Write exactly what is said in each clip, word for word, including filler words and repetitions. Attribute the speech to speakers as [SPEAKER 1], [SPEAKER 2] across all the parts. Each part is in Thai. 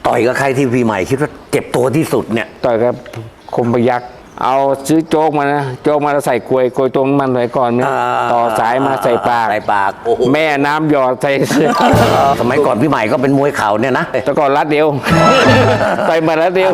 [SPEAKER 1] ต่อยกับใครที่พี่ใหม่คิดว่าเจ็บตัวที่สุดเนี่ย
[SPEAKER 2] ต่อยกับคมพยักษ์เอาซื้อโจ๊กมานะโจ๊กมาแล้วใส่กลวยกลวยตรงมันไว้ก่อนเนี่ยต่อสายมาใส่ปาก
[SPEAKER 1] ใส่ปาก
[SPEAKER 2] แม่น้ำหยอดใส่เสื้อ
[SPEAKER 1] สมัยก่อนพี่ใหม่ก็เป็นมวยเข่าเนี่ยนะ
[SPEAKER 2] แต่ก่อนรัดเดียวไปมารัดเดียว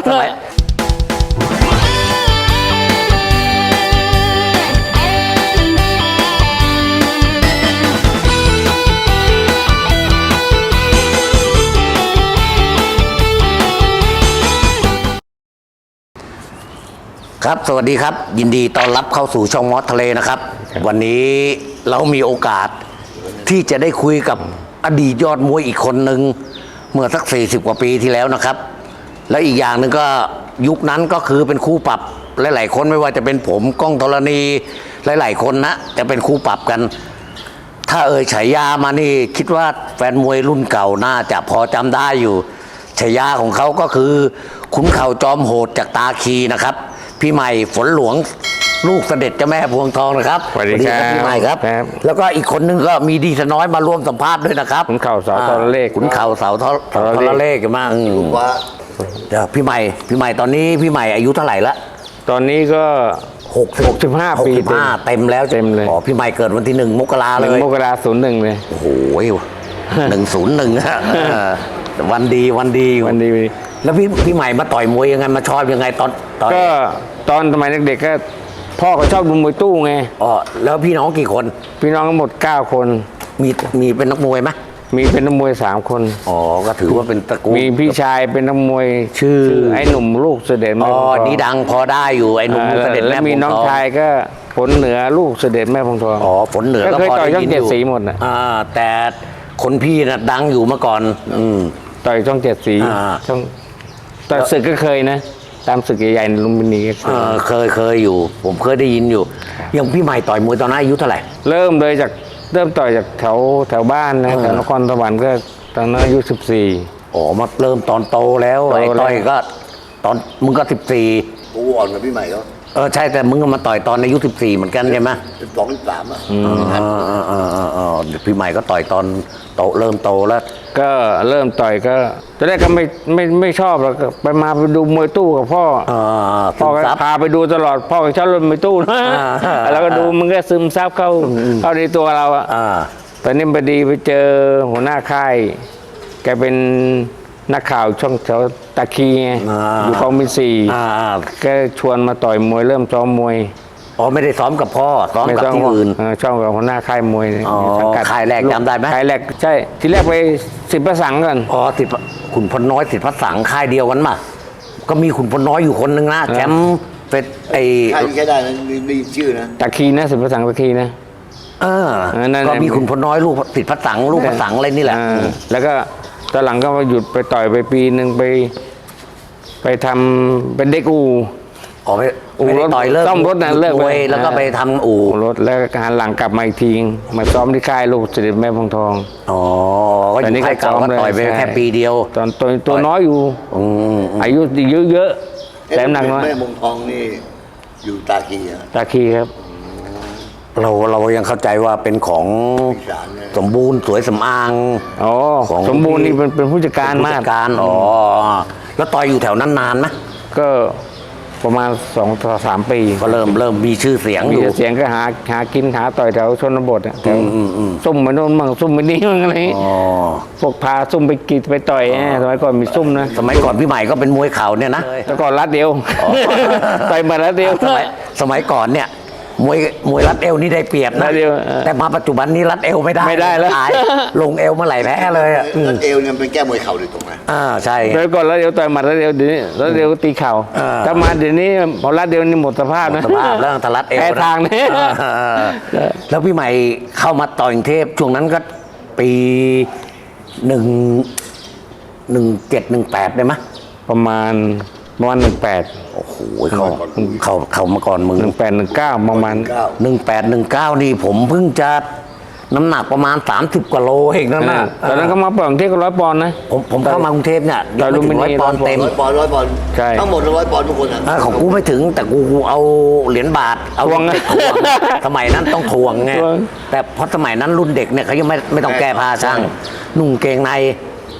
[SPEAKER 1] ครับสวัสดีครับยินดีต้อนรับเข้าสู่ช่องมอสทะเลนะครับวันนี้เรามีโอกาสที่จะได้คุยกับอดีตยอดมวยอีกคนหนึ่งเมื่อสักสี่สิบกว่าปีที่แล้วนะครับและอีกอย่างหนึ่งก็ยุคนั้นก็คือเป็นคู่ปรับหลายๆคนไม่ว่าจะเป็นผมก้องธรณีหลายๆคนนะจะเป็นคู่ปรับกันถ้าเอ่ยฉายามานี่คิดว่าแฟนมวยรุ่นเก่าน่าจะพอจำได้อยู่ฉายาของเขาก็คือขุนเข่าจอมโหดจากตาคีนะครับพี่ใหม่ฝนหลวงลูกเสด็จเจ้าแม่พวงทองนะครับ
[SPEAKER 2] สวัสดีครับ
[SPEAKER 1] พี่ใหม่ครับแล้วก็อีกคนนึงก็มีดีสน้อยมาร่วมสัมภาษณ์ด้วยนะครับ
[SPEAKER 2] ขุนเข่าเสาทรเลข
[SPEAKER 1] ขุนเข่าเสาทรเลขกันมากเดี๋ยวพี่ใหม่พี่ใหม่ตอนนี้พี่ใหม่อายุเท่าไหร่ละ
[SPEAKER 2] ตอนนี้ก็
[SPEAKER 1] หกสิบห้าปีเต็มแล้ว
[SPEAKER 2] เต็มเลย
[SPEAKER 1] อ๋อพี่ใหม่เกิดวันที่หนึ่งมกราเลย
[SPEAKER 2] มกราศูนย์หนึ่งเลย
[SPEAKER 1] โอ้โหหนึ่งศูนย์หนึ่งวันดีวันดี
[SPEAKER 2] วันดี
[SPEAKER 1] แล้วพี่พี่ใหม่มาต่อยมวยยังไงมาชอบยังไงตอน
[SPEAKER 2] ก็ตอนสมัยเด็กๆก็พ่อเขาชอบดูมวยตู้ไง
[SPEAKER 1] อ๋อแล้วพี่น้องกี่คน
[SPEAKER 2] พี่น้องทั้งหมดเก้าคน
[SPEAKER 1] มีมีเป็นนักมวยไหม
[SPEAKER 2] มีเป็นนักมวยสามคน
[SPEAKER 1] อ๋อก็ถือว่าเป็นตระกูล
[SPEAKER 2] มีพี่ชายเป็นนักมวยชื่อไอ้หนุ่มลูกเสด็จแม่
[SPEAKER 1] อ๋อนี่ดังพอได้อยู่ไอ้หนุ่มเสด็จแม่พงทอง
[SPEAKER 2] แล้วมีน้องชายก็ฝนเหนือลูกเสด็จแม่พงทอง
[SPEAKER 1] อ๋อฝนเหนือก็
[SPEAKER 2] พอได้ยินอยู่ต่อยช่องเจ็ดสีหมดนะ
[SPEAKER 1] อ่าแต่คนพี่น่ะดังอยู่เมื่อก่อนอืม
[SPEAKER 2] ต่อยช่องเจ็ดสีช่องต่อยศึกก็เคยนะตามศึกใหญ่ๆลุมพินีก็
[SPEAKER 1] เคยเคยอยู่ผมเคยได้ยินอยู่ยังพี่ใหม่ต่อยมวยตอนนั้นอายุเท่าไหร่
[SPEAKER 2] เริ่มเลยจากเริ่มต่อยจากแถวแถวบ้านนะแถวนครสวรรค์ก็ตอนนั้นอายุสิบสี่
[SPEAKER 1] อ๋อมาเริ่มตอนโตแล้วไอ้ต่อยก็ตอนมึงก็สิบสี่
[SPEAKER 3] กูอ่อนกว่าพี่ใหม่เขา
[SPEAKER 1] เออใช่แต่มึงก็มาต่อยตอนอายุสิบสี่เหมือนกันใช่ไหม
[SPEAKER 3] สิบสองสิบสามอ่ะ
[SPEAKER 1] อ๋ออ๋ออ๋ออ๋อพี่ใหม่ก็ต่อยตอนโตเริ่มโตแล้ว
[SPEAKER 2] ก็เริ่มต่อยก็ตอนแรกก็ไม่ไม่ไม่ชอบแล้วก็ไปมาไปดูมวยตู้กับพ่อพ่อก็พาไปดูตลอดพ่อก็ชอบเล่นมวยตู้นะแล้วก็ดูมันก็ซึมซับเข้าเข้าในตัวเราอ่ะตอนนี้พอดีไปเจอหัวหน้าค่ายแกเป็นนักข่าวช่องแถวตะคีไงอยู่กองมิสี่ก็ชวนมาต่อยมวยเริ่มซ้อมมวย
[SPEAKER 1] อ๋อไม่ได้ซ้อมกับพ่อซ้อมกับที่อื่น
[SPEAKER 2] ช่องกับหัวหน้าค่ายมวย
[SPEAKER 1] สังกัดค่ายแรกจำได้ไหม
[SPEAKER 2] ค่ายแรกใช่ที่แรกไปสิบประสังกัน
[SPEAKER 1] อ๋อสิบขุนพลน้อยสิบพระสังค่ายเดียวกันมาก็มีขุนพลน้อยอยู่คนหนึ่งนะแชมป์เป็นไอ้
[SPEAKER 3] ค่ายนี้ใช้ได้นะได้ชื่อนะ
[SPEAKER 2] ตะคีนะสิบประสังตะคีนะ
[SPEAKER 1] เออก็มีขุนพลน้อยลูกสิบพระสังลูกพระสังอะไรนี่แหละ
[SPEAKER 2] แล้วก็ตอนหลังก็มาหยุดไปต่อยไปปีหนึ่งไปไปทำเป็นเด็กอู่
[SPEAKER 1] อ๋อไปอู่รถต่อยเลิก
[SPEAKER 2] ซ่อมรถนะเลิก
[SPEAKER 1] ไปแล้วก็ไปทำอู่
[SPEAKER 2] รถแล้วหันหลังกลับมาอีกทีมาซ้อมที่ค่ายลูกเสด็จแม่พงทอง
[SPEAKER 1] อ๋อก็อยู่ค่ายเก่าก็ต่อยไปแค่ปีเดียว
[SPEAKER 2] ตอนตัวตัวน้อยอยู่อายุเยอะๆแต่หนักน้อย
[SPEAKER 3] แม่พงทองนี่อยู่ตาคี
[SPEAKER 2] ตาคีครับ
[SPEAKER 1] เราเรายังเข้าใจว่าเป็นของสมบูรณ์สวยสำอาง
[SPEAKER 2] อ๋อสมบูรณ์นี่เป็นเป็นผู้จัดการมาก
[SPEAKER 1] การอ๋อแล้วต่อยอยู่แถวนั้นนานไหม
[SPEAKER 2] ก็ประมาณสองต่อสามปี
[SPEAKER 1] ก็เริ่มเริ่มมีชื่อเสียง
[SPEAKER 2] อยู่เสียงก็หาหากินหาต่อยแถวชนบทแถวซุ่มมาโน่นมั่งซุ่มมานี่มั่งอะไรพวกพาซุ่มไปกีดไปต่อยสมัยก่อนมีซุ่มนะ
[SPEAKER 1] สมัยก่อนพี่ใหม่ก็เป็นมวยเข่าเนี่ยนะ
[SPEAKER 2] แต่ก่อนรัดเดียวต่อยมารัดเดียว
[SPEAKER 1] สมัยก่อนเนี่ยมวยมวยรัดเอวนี่ได้เปรียบนะแต่มาปัจจุบันนี้รัดเอวไม่ได้
[SPEAKER 2] ไม่ได้แล้ว
[SPEAKER 1] ลงเอวเมื่อไหร่แพ้เลยอ่ะ
[SPEAKER 3] รัดเอวเนี่ยเป็นแก้มวยเข่าโดยตรงนะ
[SPEAKER 1] อ่าใช่
[SPEAKER 2] โดยก่อนรัดเอวต่อยหมัดรัดเอวเดี๋ยวนี้รัดเอวตีเข่าถ้ามาเดี๋ยวนี้พอรัดเอวนี่หมดสภาพนะ
[SPEAKER 1] สภาพแล้วถ้ารัดเอว
[SPEAKER 2] แพ้ทางนี่
[SPEAKER 1] แล้วพี่ใหม่เข้ามาต่อยกรุงเทพช่วงนั้นก็ปีหนึ่งหนึ่งเจ็ดหนึ่งแปดได้ไหม
[SPEAKER 2] ประมาณประมาณหนึ่งแปด
[SPEAKER 1] โอ้โหเขาเขาเขามาก่อนมึง
[SPEAKER 2] หนึ่งแปดหนึ่งเก้าประมาณ
[SPEAKER 1] หนึ่งแปดหนึ่งเก้านี่ผมเพิ่งจะน้ำหนักประมาณสามสิบกว่าโลเองนั่นนะ
[SPEAKER 2] ตอนนั้นเขามาปล่อยกรุงเทพก็ร้อยปอนด์นะ
[SPEAKER 1] ผมผมเข้ามากรุงเทพเนี่ย
[SPEAKER 2] ร้อย
[SPEAKER 1] ร้อยปอนด์เต็ม
[SPEAKER 3] ร้อยปอนด์ร้อยปอนด์ทั้งหมดร้อยปอนด์ทุกคน
[SPEAKER 1] อ่ะของกูไม่ถึงแต่กูเอาเหรียญบาทเอา
[SPEAKER 2] ทวง
[SPEAKER 1] สมัยนั้นต้องทวงไงแต่เพราะสมัยนั้นรุ่นเด็กเนี่ยเขายังไม่ไม่ต้องแก้ผ้าช่างนุ่งเกงใน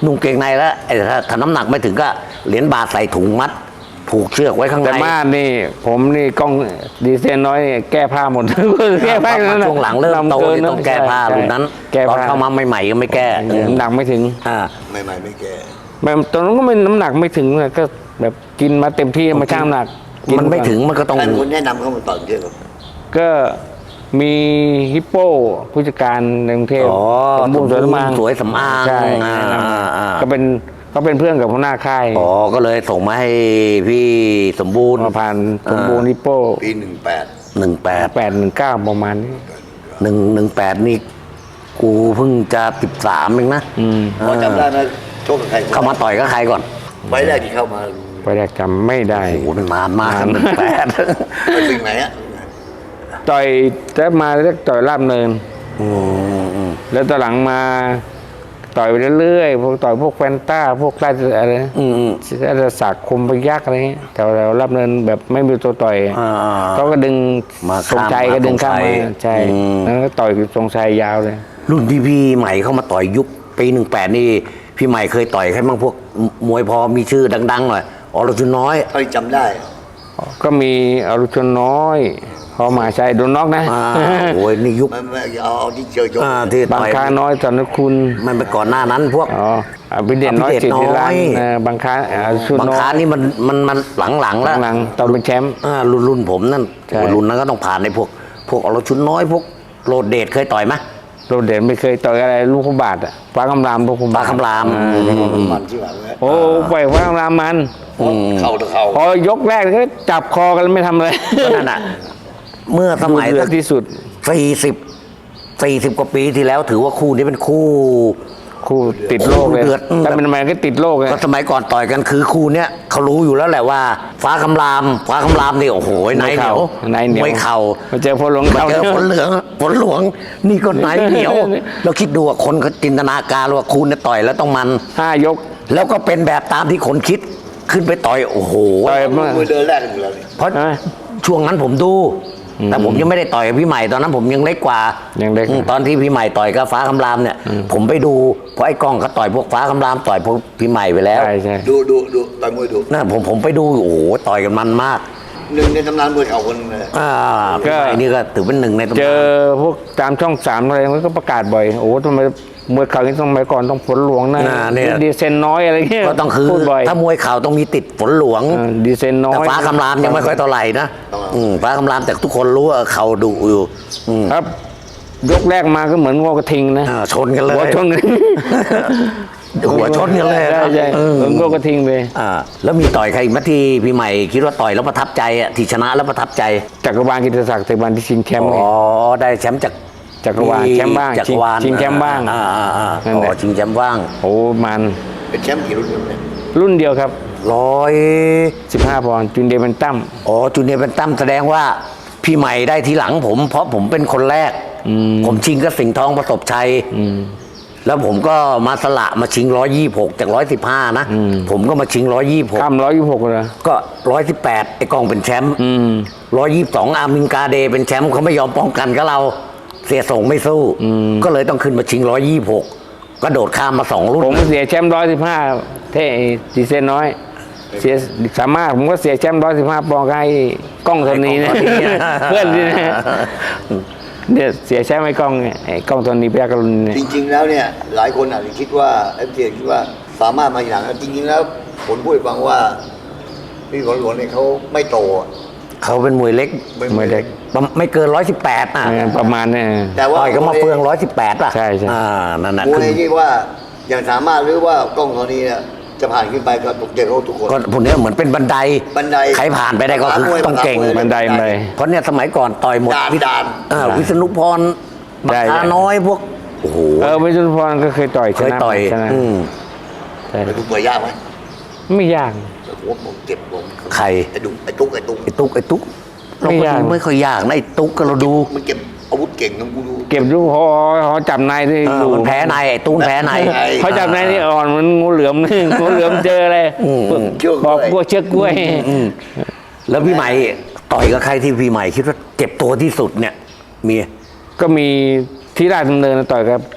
[SPEAKER 1] นุ่งเกงในแล้วไอ้ถ้าถ้าน้ำหนักไม่ถึงก็เหรียญบาทใส่ถุงมัด ผูกเชือกไว้ข้างใน
[SPEAKER 2] แต่มาดนี่ผมนี่กล้องดีเซนน้อยนี่แก้ผ้าหมด แก้ผ้านั้นน่ะ
[SPEAKER 1] ช่วงหลังเริ่มโตนี่ต้องแก้ผ้า
[SPEAKER 2] ใช่
[SPEAKER 1] รุ่นนั้น
[SPEAKER 2] แก้
[SPEAKER 1] ตอน
[SPEAKER 2] ผ้า
[SPEAKER 1] เข้ามาใหม่ๆก็ไม่แก้
[SPEAKER 2] น้ำหนักไม่ถึง
[SPEAKER 1] อ่า
[SPEAKER 3] ไม่ไม่ไม่แก่
[SPEAKER 2] แบบตอนนั้นก็ไม่น้ำหนักไม่ถึงเลยก็แบบกินมาเต็มที่มาช่างน้ำหนักกิ
[SPEAKER 1] มันไม่ถึงมันก็ต้อง
[SPEAKER 3] ท่านคนแนะนำเขามาต่อยเยอะครับ
[SPEAKER 2] ก็มีฮิปโปผู้จัดการในกรุงเทพ
[SPEAKER 1] อ๋อ
[SPEAKER 2] สมบูรณ์สวยสำอาง
[SPEAKER 1] สวยสำอาง
[SPEAKER 2] ใช่
[SPEAKER 1] อ่า
[SPEAKER 2] แนะน
[SPEAKER 1] อ่าอ่า
[SPEAKER 2] ำก็เป็นก็เป็นเพื่อนกับหัวหน้าค่าย
[SPEAKER 1] อ๋อก็เลยส่งมาให้พี่สมบูรณ์
[SPEAKER 2] มาผ่านสมบูรณ์ฮิปโป
[SPEAKER 3] ปีหนึ่งแปด
[SPEAKER 1] หนึ่งแปด
[SPEAKER 2] แปดหนึ่งเก้าประมาณนี้
[SPEAKER 1] หนึ่งหนึ่งแปดนี่กูเพิ่งจะสิบสามเองนะ
[SPEAKER 2] อืม
[SPEAKER 3] พอจำได้ไหมโชคกับใคร
[SPEAKER 1] เข้ามาต่อยก็ใครก่อน
[SPEAKER 3] ไฟล์แรกที่เข้ามา
[SPEAKER 2] ไปแรกจำไม่ได้
[SPEAKER 1] โอ้โหมันนานมากหนึ่งแปด
[SPEAKER 3] ไปสิ่งไหนอะ
[SPEAKER 2] ต่อยแต่มาเรียกต่อยลาบเนิน
[SPEAKER 1] อืมอืม
[SPEAKER 2] แล้วตอนหลังมาต่อยไปเรื่อยๆพวกต่อยพวกแฟนต้าพวกราชอะไรนะ
[SPEAKER 1] อืมอืม
[SPEAKER 2] ราชศักดิ์คมพยักษ์อะไรเงี้ยแต่เรารับเนินแบบไม่มีตัวต่อย
[SPEAKER 1] อ่า
[SPEAKER 2] เขาก็ดึง
[SPEAKER 1] มา
[SPEAKER 2] ทรงชัย
[SPEAKER 1] ข้าม
[SPEAKER 2] ก็ดึงข้าม
[SPEAKER 1] ทรงชั
[SPEAKER 2] มาย ใช่
[SPEAKER 1] อืม
[SPEAKER 2] แล้วก็ต่อยทรงชัยยาวเลย
[SPEAKER 1] รุ่นที่พี่ใหม่เข้ามาต่อยยุคปีหนึ่งแปดนี่พี่ใหม่เคยต่อยใครบ้างพวกมวยพอมีชื่อดังๆหน่อยอรชุนน้อย
[SPEAKER 3] เท่าที่จำได้
[SPEAKER 2] ก็มีอรุชนน้อยพอมาใช่โดนน็อกนะ
[SPEAKER 1] อ่าโอ้ยนี่ยุค
[SPEAKER 3] ไม่ไม่เอาเอาที่เจอโยก
[SPEAKER 1] อ่าที่
[SPEAKER 2] บาง
[SPEAKER 1] ต่อย
[SPEAKER 2] คาน้อยสอนคุณ
[SPEAKER 1] มันไปก่อนหน้านั้นพวก
[SPEAKER 2] อ๋ออภิเดชน้อย
[SPEAKER 1] อภิเดช
[SPEAKER 2] สิทธิรัตน์
[SPEAKER 1] น้อย
[SPEAKER 2] เออบางคาอรุชน
[SPEAKER 1] บาง
[SPEAKER 2] น้อ
[SPEAKER 1] ครั้
[SPEAKER 2] ย
[SPEAKER 1] นี่มันมันมันหลังๆแล้ว
[SPEAKER 2] หลังๆตอนเป็นแชมป์
[SPEAKER 1] อ่ารุ่นรุ่นผมนั่น
[SPEAKER 2] ใช่
[SPEAKER 1] โอ้ยรุ่นนั้นก็ต้องผ่านในพวก พวกอรชุนน้อยพวกโรดเดชเคยต่อยไหม
[SPEAKER 2] โรเดนไม่เคยต่อยอะไรลูกขบาทอะฟ้าคำรามลูกขบาท
[SPEAKER 1] ฟ้าคำราม
[SPEAKER 2] อ่
[SPEAKER 3] มันที่หลังแล้ว
[SPEAKER 2] โอ้ปล่อยฟ้าคำรามมัน
[SPEAKER 3] เข่าต่อเข่า
[SPEAKER 2] พอยกแรกก็จับคอกันแล้วไม่ทำอะไร
[SPEAKER 1] ก็นั่นน่ะเมื่อสมัย
[SPEAKER 2] ดูเดือ
[SPEAKER 1] สั
[SPEAKER 2] ด
[SPEAKER 1] ก
[SPEAKER 2] ที่สุด
[SPEAKER 1] สี่สิบสี่สิบกว่าปีที่แล้วถือว่าคู่นี้เป็นคู่
[SPEAKER 2] คู่ติดโลกเลย
[SPEAKER 1] คู่เดือด
[SPEAKER 2] ถ้าเป็นมันก็ติดโลกเลย
[SPEAKER 1] ก็สมัยก่อนต่อยกันคือคู่เนี้ยเขารู้อยู่แล้วแหละว่า ฟ้าคำราม ฟ้าคำรามนี่โอ้โหไหนเหนียว
[SPEAKER 2] ในเหนียว
[SPEAKER 1] มวยเข่า
[SPEAKER 2] มาเจอพลหลวง
[SPEAKER 1] มา
[SPEAKER 2] เขา
[SPEAKER 1] เจอฝนเหลืองฝนหลวง นี่ก็ไหนเหนียว เราคิดดูว่าคนเขาจินตนาการว่าคู่เนี่ยต่อยแล้วต้องมัน
[SPEAKER 2] ห้ายก
[SPEAKER 1] แล้วก็เป็นแบบตามที่คนคิดขึ้นไปต่อยโอ้โห
[SPEAKER 2] ต่อยมา
[SPEAKER 3] มือเดินแรกกันอยู่แล้วนี่
[SPEAKER 1] เพราะ
[SPEAKER 2] ใช่ไหม
[SPEAKER 1] ช่วงนั้นผมดู แต่ผมยังไม่ได้ต่อยกับพี่ใหม่ตอนนั้นผมยังเล็กกว่า
[SPEAKER 2] ยังเล็ก
[SPEAKER 1] อืมตอนที่พี่ใหม่ต่อยกับฟ้าคำรามเนี่ย ผมไปดูเพราะไอ้กล้องเขาต่อยพวกฟ้าคำรามต่อยพวกพี่ใหม่ไปแล้ว
[SPEAKER 2] ใช่ใช่
[SPEAKER 3] ดูดูดูต่อยมวยดู
[SPEAKER 1] นะผมผมไปดูโอ้โหต่อยกันมันมาก
[SPEAKER 3] หนึ่งในตำนานมวยเข่าคนหนึงเลย
[SPEAKER 1] อ่าพี่ใหม่นี่ก็ถือเป็นหนึ่งในตำ
[SPEAKER 2] เจ
[SPEAKER 1] นา
[SPEAKER 2] อน พวกตามช่องสามอะไรมันก็ประกาศบ่อยโอ้ทำไมมวยเข่าที่สมัยก่อนต้องฝนหลวงนะ
[SPEAKER 1] อ่าเนี่ย
[SPEAKER 2] ดีเซนน้อยอะไรเงี้ย
[SPEAKER 1] ก็ต้องคือ
[SPEAKER 2] พูดบ่อย
[SPEAKER 1] ถ้ามวยเข่าต้องมีติดฝนหลวง
[SPEAKER 2] อ่าดีเซนน้อ
[SPEAKER 1] แต่
[SPEAKER 2] ย
[SPEAKER 1] ฟ้าคำรามยังไม่ค่อยเท่าไหร่นะอืมฟ้าคำรามแต่ทุกคนรู้ว่าเขาดุอยู่อืม
[SPEAKER 2] ครับ ยกแรกมาก็เหมือนงอกระทิงนะ
[SPEAKER 1] อ่าชนกันเลย
[SPEAKER 2] หัวชนกัน
[SPEAKER 1] หัวชนกันเลย
[SPEAKER 2] ใช่
[SPEAKER 1] นะ
[SPEAKER 2] ใช่
[SPEAKER 1] เออ
[SPEAKER 2] เหมือนงอกระทิงเลย
[SPEAKER 1] อ่าแล้วมีต่อยใครอีกไหมที่พี่ใหม่คิดว่าต่อยแล้วประทับใจอ่ะที่ชนะแล้วประทับใจ
[SPEAKER 2] จักรวาลกิตติศักดิ์จักรวาลที่ชิงแชมป์ไง
[SPEAKER 1] อ๋อได้แชมป์จาก
[SPEAKER 2] จักรวาลแชมป์บ้าง
[SPEAKER 1] จักรวาล
[SPEAKER 2] ชิงแชมป์บ้าง
[SPEAKER 1] อ่าอ่าอ่า
[SPEAKER 2] นั่น
[SPEAKER 1] อ๋
[SPEAKER 2] แหละ
[SPEAKER 1] อชิงแชมป์บ้าง
[SPEAKER 2] โอ้มัน
[SPEAKER 3] เป็นแชมป์กี่รุ่นเนี่ย
[SPEAKER 2] รุ่นเดียวครับ
[SPEAKER 1] ร้อย
[SPEAKER 2] สิบห้าปอนด์จุนเดย์เป็นตั้ม
[SPEAKER 1] อ๋อจูเนียร์เป็นตั้มแสดงว่าพี่ใหม่ได้ทีหลังผม เพราะผมเป็นคนแรก
[SPEAKER 2] อืม
[SPEAKER 1] ผมชิงกับสิงห์ทองประสบชัย
[SPEAKER 2] อืม
[SPEAKER 1] แล้วผมก็มาสละมาชิงร้อยยี่หกจากร้อยสิบห้านะ
[SPEAKER 2] อืม
[SPEAKER 1] ผมก็มาชิงร้อยยี่หก
[SPEAKER 2] ข้ามร้อยยี่สิบหกเลย
[SPEAKER 1] ก็ร้อยสิบแปดไอ้กองเป็นแชมป์
[SPEAKER 2] อืม
[SPEAKER 1] ร้อยยี่สิบสองอามินกาเดเป็นแชมป์เขาไม่ยอมป้องกันกับเรา เสียส่งไม่สู้
[SPEAKER 2] อืม
[SPEAKER 1] ก็เลยต้องขึ้นมาชิงร้อยยี่หกก็โดดข้ามมาสองรุ่น
[SPEAKER 2] ผมก็เสียแชมป์ร้อยสิบห้าเท่ดีเซนน้อย เสียสามารถผมก็เสียแชมป์ร้อยสิบห้าปอนด์ให้กล้องตัวนี้นะ เพื่อนนี่นะเนี่ยเสียแชมป์ไอ้กล้องเนี่ยไอ้กล้องตัวนี้พยักรุณเนี่ย
[SPEAKER 3] จริง ๆ แล้วเนี่ยหลายคนอาจจะคิดว่าเอฟซีคิดว่าสามารถมาอย่างนั้นจริง ๆ แล้วผมพูดให้ฟังว่าพี่ฝนหลวงเนี่ยเขาไม่โตอะ
[SPEAKER 1] เขาเป็นมวยเล็ก
[SPEAKER 3] ไม่
[SPEAKER 2] มวยเล็ก
[SPEAKER 1] ประไม่เกินร้อยสิบแปดอ่ะ
[SPEAKER 2] เออประมาณเนี่ย
[SPEAKER 3] แต่ว่า
[SPEAKER 1] ต่อยก็มาเฟืองร้อยสิบแปดอ่ะ
[SPEAKER 2] ใช่ใช่
[SPEAKER 1] อ่านั่นน่ะ
[SPEAKER 3] มว
[SPEAKER 1] คื
[SPEAKER 3] ย
[SPEAKER 1] อ
[SPEAKER 3] ที่ว่าอย่างสามารถหรือว่ากล้องตัวนี้เนี่ยจะผ่านขึ้นไปก็ตกใจเขาทุกคน
[SPEAKER 1] ก็พวกเนี้ยเหมือนเป็นบันได
[SPEAKER 3] บันได
[SPEAKER 1] ใครผ่านไปได้ก็คือ
[SPEAKER 3] มวย
[SPEAKER 1] ต้องเก่ง
[SPEAKER 3] มวย
[SPEAKER 2] บันไดบันได
[SPEAKER 1] เพราะเนี่ยสมัยก่อนต่อยหมด
[SPEAKER 3] ด่าน
[SPEAKER 1] วิ
[SPEAKER 3] ด่าน
[SPEAKER 1] อ่าวิษณุพรบั
[SPEAKER 2] ใช่
[SPEAKER 1] ก
[SPEAKER 2] ใช่
[SPEAKER 1] คาน้อยพวกโอ้โห
[SPEAKER 2] เออวิศนุพรก็เคยต่อยช
[SPEAKER 1] เคย
[SPEAKER 2] นะ
[SPEAKER 1] ต่อย
[SPEAKER 2] ชนะ
[SPEAKER 1] อืม
[SPEAKER 2] ใช่
[SPEAKER 3] ไปดูตัวยากไหม
[SPEAKER 2] ไม่ยาก
[SPEAKER 3] โอ้โหผมเจ็บผม
[SPEAKER 1] ใคร
[SPEAKER 3] ไอ้ดุไอ้ตุ๊กไอ้ตุ๊ก
[SPEAKER 1] ไอ้ตุ๊กไอ้ตุ๊กเรา
[SPEAKER 2] ไม่
[SPEAKER 1] ก็
[SPEAKER 2] ยาก
[SPEAKER 1] ดูไม่ค่อยยากนะไอ้ตุ๊กก็เราดู
[SPEAKER 3] มันเก็บอาวุธเก่งนะกูดู
[SPEAKER 2] เก็บลูกหอหอจับนายที่
[SPEAKER 1] เออ
[SPEAKER 2] อยู่
[SPEAKER 1] มันแพ้ในไอ้ตุ๊กแพ้ใน
[SPEAKER 3] ใช่
[SPEAKER 2] เขาจับนายที่อ่อนเหมันงูเหลือม งูเหลือมเจออะไร
[SPEAKER 1] อืม
[SPEAKER 3] เชือก
[SPEAKER 2] บอก
[SPEAKER 3] กล้วย
[SPEAKER 2] พวกเชือกกล้วย
[SPEAKER 1] อืมแล้วพี่ใหม่ต่อยกับใครที่พี่ใหม่คิดว่าเจ็บตัวที่สุดเนี่ย มี
[SPEAKER 2] ก็มีที่ราชดำเนินต่อยกับ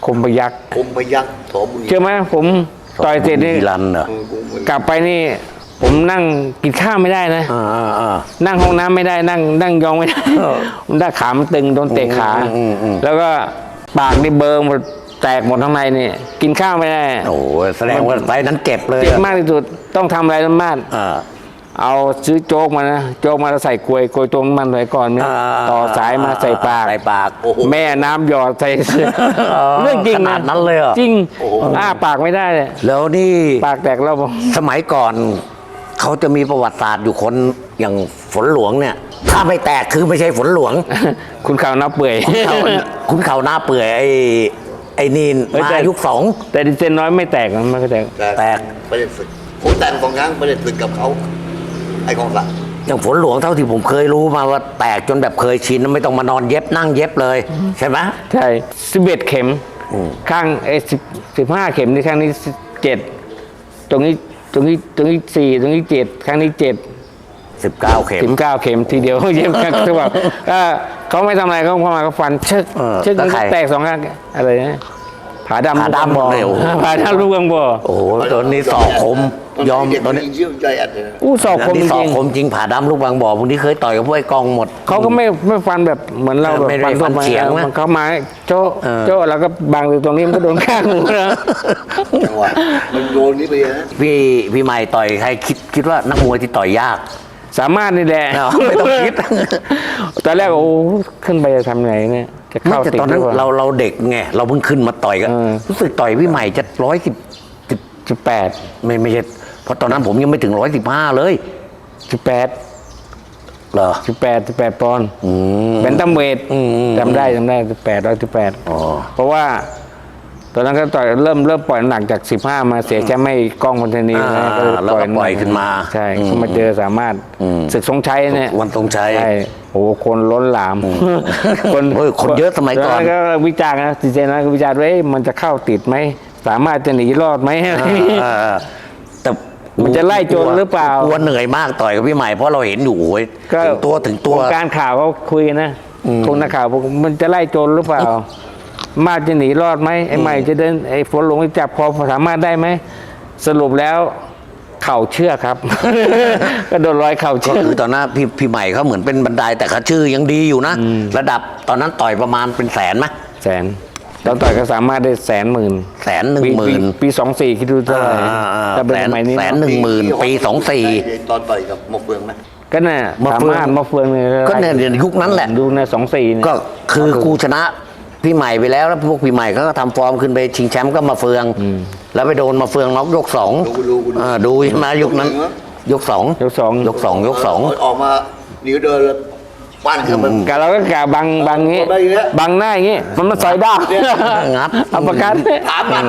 [SPEAKER 2] คมพยักษ์
[SPEAKER 3] คมพยักษ์สอบุญ
[SPEAKER 2] เชื่อไหมผมต่อยเสร็จนี่
[SPEAKER 1] บุญรันเหรอ
[SPEAKER 3] เออคมพยัคฆ์
[SPEAKER 2] กลับไปนี่ ผมนั่งกินข้าวไม่ได้นะ
[SPEAKER 1] อ่าอ่าอ่า
[SPEAKER 2] นั่งห้องน้ำไม่ได้นั่งนั่งยองไม่ได้
[SPEAKER 1] เออ
[SPEAKER 2] มันได้ขามันตึงโดนเตะขา
[SPEAKER 1] อืมอืมอืม
[SPEAKER 2] แล้วก็ปากนี่เบิร์หมดแตกหมดข้างในนี่กินข้าวไม่ได้
[SPEAKER 1] โอ้โหแสดงว่าไฟนั้นเจ็บเลย
[SPEAKER 2] เจ็บมากที่สุดต้องทำอะไรมาก
[SPEAKER 1] อ่า
[SPEAKER 2] เอาซื้อโจ๊กมานะโจ๊กมาแล้วใส่กลวยกลวยตรงมันไว้ก่อนนะ
[SPEAKER 1] อ่า
[SPEAKER 2] ต่อสายมาใส่ปาก
[SPEAKER 1] ใส่ปาก
[SPEAKER 3] โอ้โห
[SPEAKER 2] แม่น้ำหยอดใส่
[SPEAKER 1] อ๋อ
[SPEAKER 2] เรื่องจริง
[SPEAKER 1] ขนา
[SPEAKER 2] นะ
[SPEAKER 1] ดนั้นเลยเหรอ
[SPEAKER 2] จริง
[SPEAKER 3] โอ้โห
[SPEAKER 2] อ้าปากไม่ได้เลย
[SPEAKER 1] แล้วนี่
[SPEAKER 2] ปากแตกแล้วบอก
[SPEAKER 1] สมัยก่อน เขาจะมีประวัติศาสตร์อยู่คนอย่างฝนหลวงเนี่ย ถ้าไม่แตกคือไม่ใช่ฝนหลวง
[SPEAKER 2] คุณข่าวนับเปื่อย
[SPEAKER 1] เขาคุณเขาหน้าเปื่อยไอ้ไอ้นี่
[SPEAKER 2] เฮ้ย
[SPEAKER 1] มา
[SPEAKER 2] แต่
[SPEAKER 1] ยุคสอง
[SPEAKER 2] แต่ดิเซนน้อยไม่แตกนะไม่แตก
[SPEAKER 1] แตก
[SPEAKER 3] ไปเล่นศึกผมแต่งสองครั้งไปเล่นศึกกับเขาไอ้กองหลัง
[SPEAKER 1] อย่างฝนหลวงเท่าที่ผมเคยรู้มาว่าแตกจนแบบเคยชินไม่ต้องมานอนเย็บนั่งเย็บเลยใช่ไหม
[SPEAKER 2] ใช่สิบเอ็ดเข็ม
[SPEAKER 1] อืม
[SPEAKER 2] ข้างไอ้สิบสิบห้าเข็มนี่ข้างนี้เจ็ดตรงนี้ตรงนี้ตรงนี้สี่ตรงนี้เจ็ดข้างนี้เจ็ด
[SPEAKER 1] สิบเก้าเข็ม
[SPEAKER 2] สิบเก้าเข็มทีเดียว เย็บกันคือแบบก็เขาไม่ทำอะไรเขาเข้ามาก็ฟันชึก
[SPEAKER 1] เออ
[SPEAKER 2] ชึกมัน
[SPEAKER 1] แล้วใค
[SPEAKER 2] ก็
[SPEAKER 1] ร
[SPEAKER 2] แตกสองข้างอะไรนะผาดำ
[SPEAKER 1] ผาดำ
[SPEAKER 2] ลูกบอ
[SPEAKER 1] เลยโอ้โห
[SPEAKER 2] ผาดำลูกกังบ่อ
[SPEAKER 1] โอ้โหตอนนี้สอกคมยอม
[SPEAKER 3] เด็ก
[SPEAKER 1] ตอน
[SPEAKER 3] นี้
[SPEAKER 1] นี้
[SPEAKER 3] เชื่อใจอัดเลยนะ
[SPEAKER 2] อู้ศอกคม
[SPEAKER 1] นี่
[SPEAKER 2] จ
[SPEAKER 1] สอ
[SPEAKER 2] ริ
[SPEAKER 1] ก
[SPEAKER 2] ง
[SPEAKER 1] คมจริงผ่าดำลูกบางบ่อพวกนี้เคยต่อยกับพวกไอ้กองหมด
[SPEAKER 2] เขาก็ไม่ไม่ฟันแบบเหมือนเราแบบ
[SPEAKER 1] ไม่ได้ฟัน
[SPEAKER 2] ทั่วป
[SPEAKER 1] เฉียงนะ
[SPEAKER 2] มันเขามาโจ๊ะ
[SPEAKER 1] เออ
[SPEAKER 2] โจ๊ะแล้วก็บังอยู่ตรงนี้มันก็โดนข้างหนูนะ
[SPEAKER 3] จังหวะมันโดนนี่ไปนะ
[SPEAKER 1] พี่พี่ใหม่ต่อยใครคิดคิดว่านักมวยที่ต่อยยาก
[SPEAKER 2] สามารถนี่แหละ
[SPEAKER 1] เอาไม่ต้องคิด
[SPEAKER 2] ตอนแรกโอ้ขึ้นไปจะทำไงเนี่ยจะ
[SPEAKER 1] ไม่
[SPEAKER 2] เข้า
[SPEAKER 1] แต่
[SPEAKER 2] ติด
[SPEAKER 1] ตอนนั้น
[SPEAKER 2] หปล่
[SPEAKER 1] เราเราเด็กไงเราเพิ่งขึ้นมาต่อยกัน
[SPEAKER 2] เออ
[SPEAKER 1] รู้สึกต่อยพี่ใหม่จะร้อยสิบสิบ
[SPEAKER 2] สิบแปด
[SPEAKER 1] ไม่ไม่ใช่เพราะตอนนั้นผมยังไม่ถึงร้อยสิบห้าเลย
[SPEAKER 2] สิบแปด
[SPEAKER 1] เหรอ
[SPEAKER 2] สิบแปดสิบแปดปอนด์
[SPEAKER 1] อืม
[SPEAKER 2] เป็นตัมเวท
[SPEAKER 1] อืม
[SPEAKER 2] จำได้จำได้สิบแปดร้อยสิบแปด
[SPEAKER 1] อ๋อ
[SPEAKER 2] เพราะว่า ตอนนั้นก็ต่อยเริ่มเริ่มปล่อยน้ำหนักจากสิบห้ามาเสียแชมป์ไม่กล้องพันธนี
[SPEAKER 1] อ่า
[SPEAKER 2] นะก็
[SPEAKER 1] แล้วก็ปล่อยขึ้นมา
[SPEAKER 2] ใช่
[SPEAKER 1] อืม
[SPEAKER 2] ก็มาเจอสามารถ
[SPEAKER 1] อืม
[SPEAKER 2] ศึกทรงชัยเนี่ย
[SPEAKER 1] วันทรงชัย
[SPEAKER 2] ใช่โอ้โหคนล้นหลาม
[SPEAKER 1] เฮ้ยคนเยอะสมัยก่อน
[SPEAKER 2] แล้วก็วิจารณ์นะจริงๆนะก็วิจารณ์ว่าเอ๊ะมันจะเข้าติดไหมสามารถจะหนีรอดไหมอะไรอย่างงี้
[SPEAKER 1] อ่าอ่าแต่
[SPEAKER 2] มันจะไล่โจรหรือเปล่าก
[SPEAKER 1] ลัวเหนื่อยมากต่อยกับพี่ใหม่เพราะเราเห็นอยู่โอ้ยถึงตัวถึงตัว
[SPEAKER 2] วงการข่าวเขาคุยกันนะคนนักข่าวบอกมันจะไล่โจรหรือเปล่า มาจะหนีรอดไหมไอ้ใหม่จะเดินไอ้ฝนหลวงจะจับคอสามารถได้ไหมสรุปแล้วเข่าเชื่อกครับ ก็โดนรอยเข่า
[SPEAKER 1] ก็
[SPEAKER 2] เชือก
[SPEAKER 1] คือตอนนั้นพี่พี่ใหม่เขาเหมือนเป็นบันไดแต่เขาชื่อยังดีอยู่นะ ระดับตอนนั้นต่อยประมาณเป็นแสนไหม
[SPEAKER 2] แสนตอนต่อยก็สามารถได้แสนหมื่น
[SPEAKER 1] แสนหนึ่ง
[SPEAKER 2] ปี
[SPEAKER 1] หมื่น
[SPEAKER 2] ปีปีสองสี่คิดดูเท่าไหร่
[SPEAKER 1] อ่าอ่า
[SPEAKER 2] ถ้าเป็น
[SPEAKER 1] แสน
[SPEAKER 2] สมัยนี้
[SPEAKER 1] แสนหนึ่งหมื่นปีสองสี่
[SPEAKER 3] ตอนต่อยกับหมกเฟืองไหม
[SPEAKER 2] ก็น่ะ
[SPEAKER 1] มา
[SPEAKER 2] สา
[SPEAKER 1] เฟือง
[SPEAKER 2] มารถมาเฟืองเนี่ย
[SPEAKER 1] ก็เนี่ยเดี๋ยวยุคนั้นแหละ
[SPEAKER 2] ดูในสองสี่เนี่ย
[SPEAKER 1] ก็คือกูชนะพี่ใหม่ไปแล้วแล้วพวกพี่ใหม่เขาก็ทำฟอร์มขึ้นไปชิงแชมป์ก็มาเฟือง แล้วไปโดนมาเฟืองน็อกยกสอง
[SPEAKER 3] ดูดูดู
[SPEAKER 1] อ่าดูใช่ไหมยุคนั้น ยกสอง
[SPEAKER 2] ยกสอง
[SPEAKER 1] ยกสองยกสอง
[SPEAKER 3] ออกมานิ้วเดินแล้วปั้นขึ้นมัน
[SPEAKER 2] กะเราก็กะบังบังงี้
[SPEAKER 3] บังอย่างเงี้ย
[SPEAKER 2] บังหน้าอย่างงี้ มันมาใส่ด้า
[SPEAKER 1] งัด
[SPEAKER 2] เอาประกัน
[SPEAKER 3] ถามมัน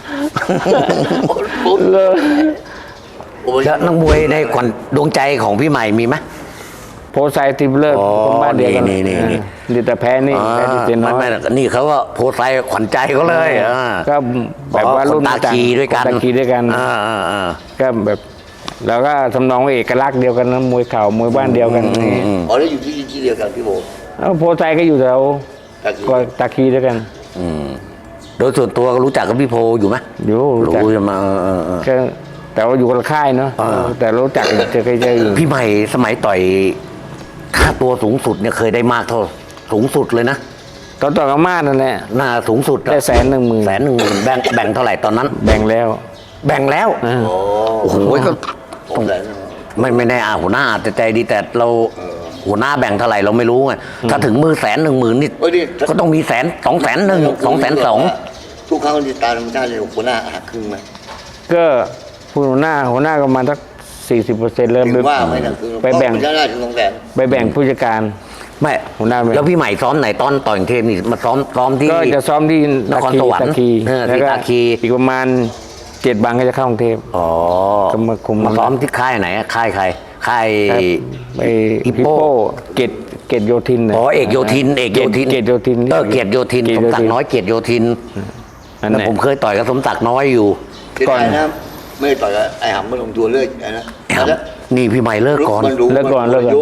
[SPEAKER 3] ผม
[SPEAKER 2] เลย
[SPEAKER 3] โอ้ย
[SPEAKER 1] แล้วนักมวยในขวัญดวงใจของพี่ใหม่มีไหม
[SPEAKER 2] โพไซติมเลอร์
[SPEAKER 1] อ๋อ
[SPEAKER 2] คนบ้านเดียวกัน
[SPEAKER 1] นี่นี่นี่
[SPEAKER 2] นี่แต่แพ้นี่แพ้ดิเจนน้
[SPEAKER 1] ไม่
[SPEAKER 2] อย
[SPEAKER 1] ไม่นี่เขาก็โพสต์ไซขวัญใจเขาเลยอ่า
[SPEAKER 2] ก็แบบว่ารุ่น
[SPEAKER 1] คนตาคีด้วยกัน
[SPEAKER 2] ตาคีด้วยกัน
[SPEAKER 1] อ่าอ่าอ่า
[SPEAKER 2] ก็แบบแล้วก็ทำนองว่าเอกลักษณ์เดียวกันนะมวยเข่ามวยบ้านเดียวกันนี่
[SPEAKER 1] อืม
[SPEAKER 3] อ๋อแล้วอยู่ที่ที่เดียวกันพี่โบ
[SPEAKER 2] แล้วโพไซก็อยู่แถว
[SPEAKER 3] ตาคี
[SPEAKER 2] ก็ตาคีด้วยกัน
[SPEAKER 1] อืมโดยส่วนตัวก็รู้จักกับพี่โพอยู่ไหม
[SPEAKER 2] อยู่รู้จัก
[SPEAKER 1] รู้ใช่ไหมเออเออเออ
[SPEAKER 2] ก็แต่ว่าอยู่คนละค่ายเนาะ
[SPEAKER 1] อ่า
[SPEAKER 2] แต่รู้จักเจอเคยเจออยู่
[SPEAKER 1] พี่ใหม่สมัยต่อยค่าตัวสูงสุดเนี่ยเคยได้มากเท่าสูงสุดเลยนะ
[SPEAKER 2] ตอนต่อกับมาดนั่นแหละ
[SPEAKER 1] หน้าสูงสุดอะ
[SPEAKER 2] ได้แสนหนึ่งหมื่น
[SPEAKER 1] แสนหนึ่งหมื่นแบ่งแบ่งเท่าไหร่ตอนนั้น
[SPEAKER 2] แบ่งแล้ว
[SPEAKER 1] แบ่งแล้ว
[SPEAKER 2] อ่า
[SPEAKER 3] อ๋อ
[SPEAKER 1] โอ้โหก็
[SPEAKER 3] ผมแสน
[SPEAKER 1] ไม่ไม่แน่อาหัวหน้าอาจจะใจดีแต่เราหัวหน้าแบ่งเท่าไหร่เราไม่รู้ไงถ้าถึงมือแสนหนึ่งหมื่นนี่
[SPEAKER 3] เอ้ยนี่
[SPEAKER 1] ก็ต้องมีแสนสองแสนหนึ่งสองแสนสอง
[SPEAKER 3] ทุกครั้งที่ตามธรรมชาติเลยหัวหน้าหักครึ่งไหม
[SPEAKER 2] ก็ผู้หัวหน้าหัวหน้าก็ประมาณสักสี่สิบเปอร์เซ็นต์เลย
[SPEAKER 3] ถึงว่าไหมนะคือ
[SPEAKER 2] ไปแบ่ง
[SPEAKER 3] เพราะมันได้ถึงสองแสน
[SPEAKER 2] ไปแบ่งผู้จัดการ
[SPEAKER 1] ไม่
[SPEAKER 2] หัวหน้าแบ่ง
[SPEAKER 1] แล้วพี่ใหม่ซ้อมไหนตอนต่อยกรุงเทพนี่มาซ้อมซ้อมที่
[SPEAKER 2] ก็จะซ้อมที่
[SPEAKER 1] นครสวรรค์
[SPEAKER 2] ตะคี
[SPEAKER 1] เออ
[SPEAKER 2] แล้ว
[SPEAKER 1] ที่
[SPEAKER 2] ก็
[SPEAKER 1] ตะคี
[SPEAKER 2] อีกประมาณเจ็ดบังก็จะเข้ากรุงเทพ
[SPEAKER 1] อ๋อ
[SPEAKER 2] ก็มาคุม
[SPEAKER 1] มาซ้อมที่ค่ายไหนอะค่ายใครค่าย
[SPEAKER 2] ไอ้
[SPEAKER 1] ฮิ
[SPEAKER 2] ฮิ
[SPEAKER 1] ป
[SPEAKER 2] ป
[SPEAKER 1] โป
[SPEAKER 2] โปเกตเกตโยธินน่ะ
[SPEAKER 1] อ๋อเอกโยธินเอกโยธิน
[SPEAKER 2] เกตโยธิน
[SPEAKER 1] เออเกียรติโยธิน
[SPEAKER 2] เก
[SPEAKER 1] ส
[SPEAKER 2] ต
[SPEAKER 1] ม
[SPEAKER 2] โย
[SPEAKER 1] ศัก
[SPEAKER 2] ธิน
[SPEAKER 1] ดิ์น้อยเกียรติโยธิน
[SPEAKER 2] นั่น
[SPEAKER 1] แล้ว
[SPEAKER 2] แหละ
[SPEAKER 1] ผมเคยต่อยกับสมศักดิ์น้อยอยู่
[SPEAKER 3] เสียดายนะไม่ได้ต่อยกับไอ้หำมันลงตัวเลื่อยนะ
[SPEAKER 1] ครับนี่พี่ใหม่เลิกก่อน
[SPEAKER 3] มันรู้
[SPEAKER 2] เลิกก่อน
[SPEAKER 3] มั
[SPEAKER 2] เลิกก่อน
[SPEAKER 3] ยุค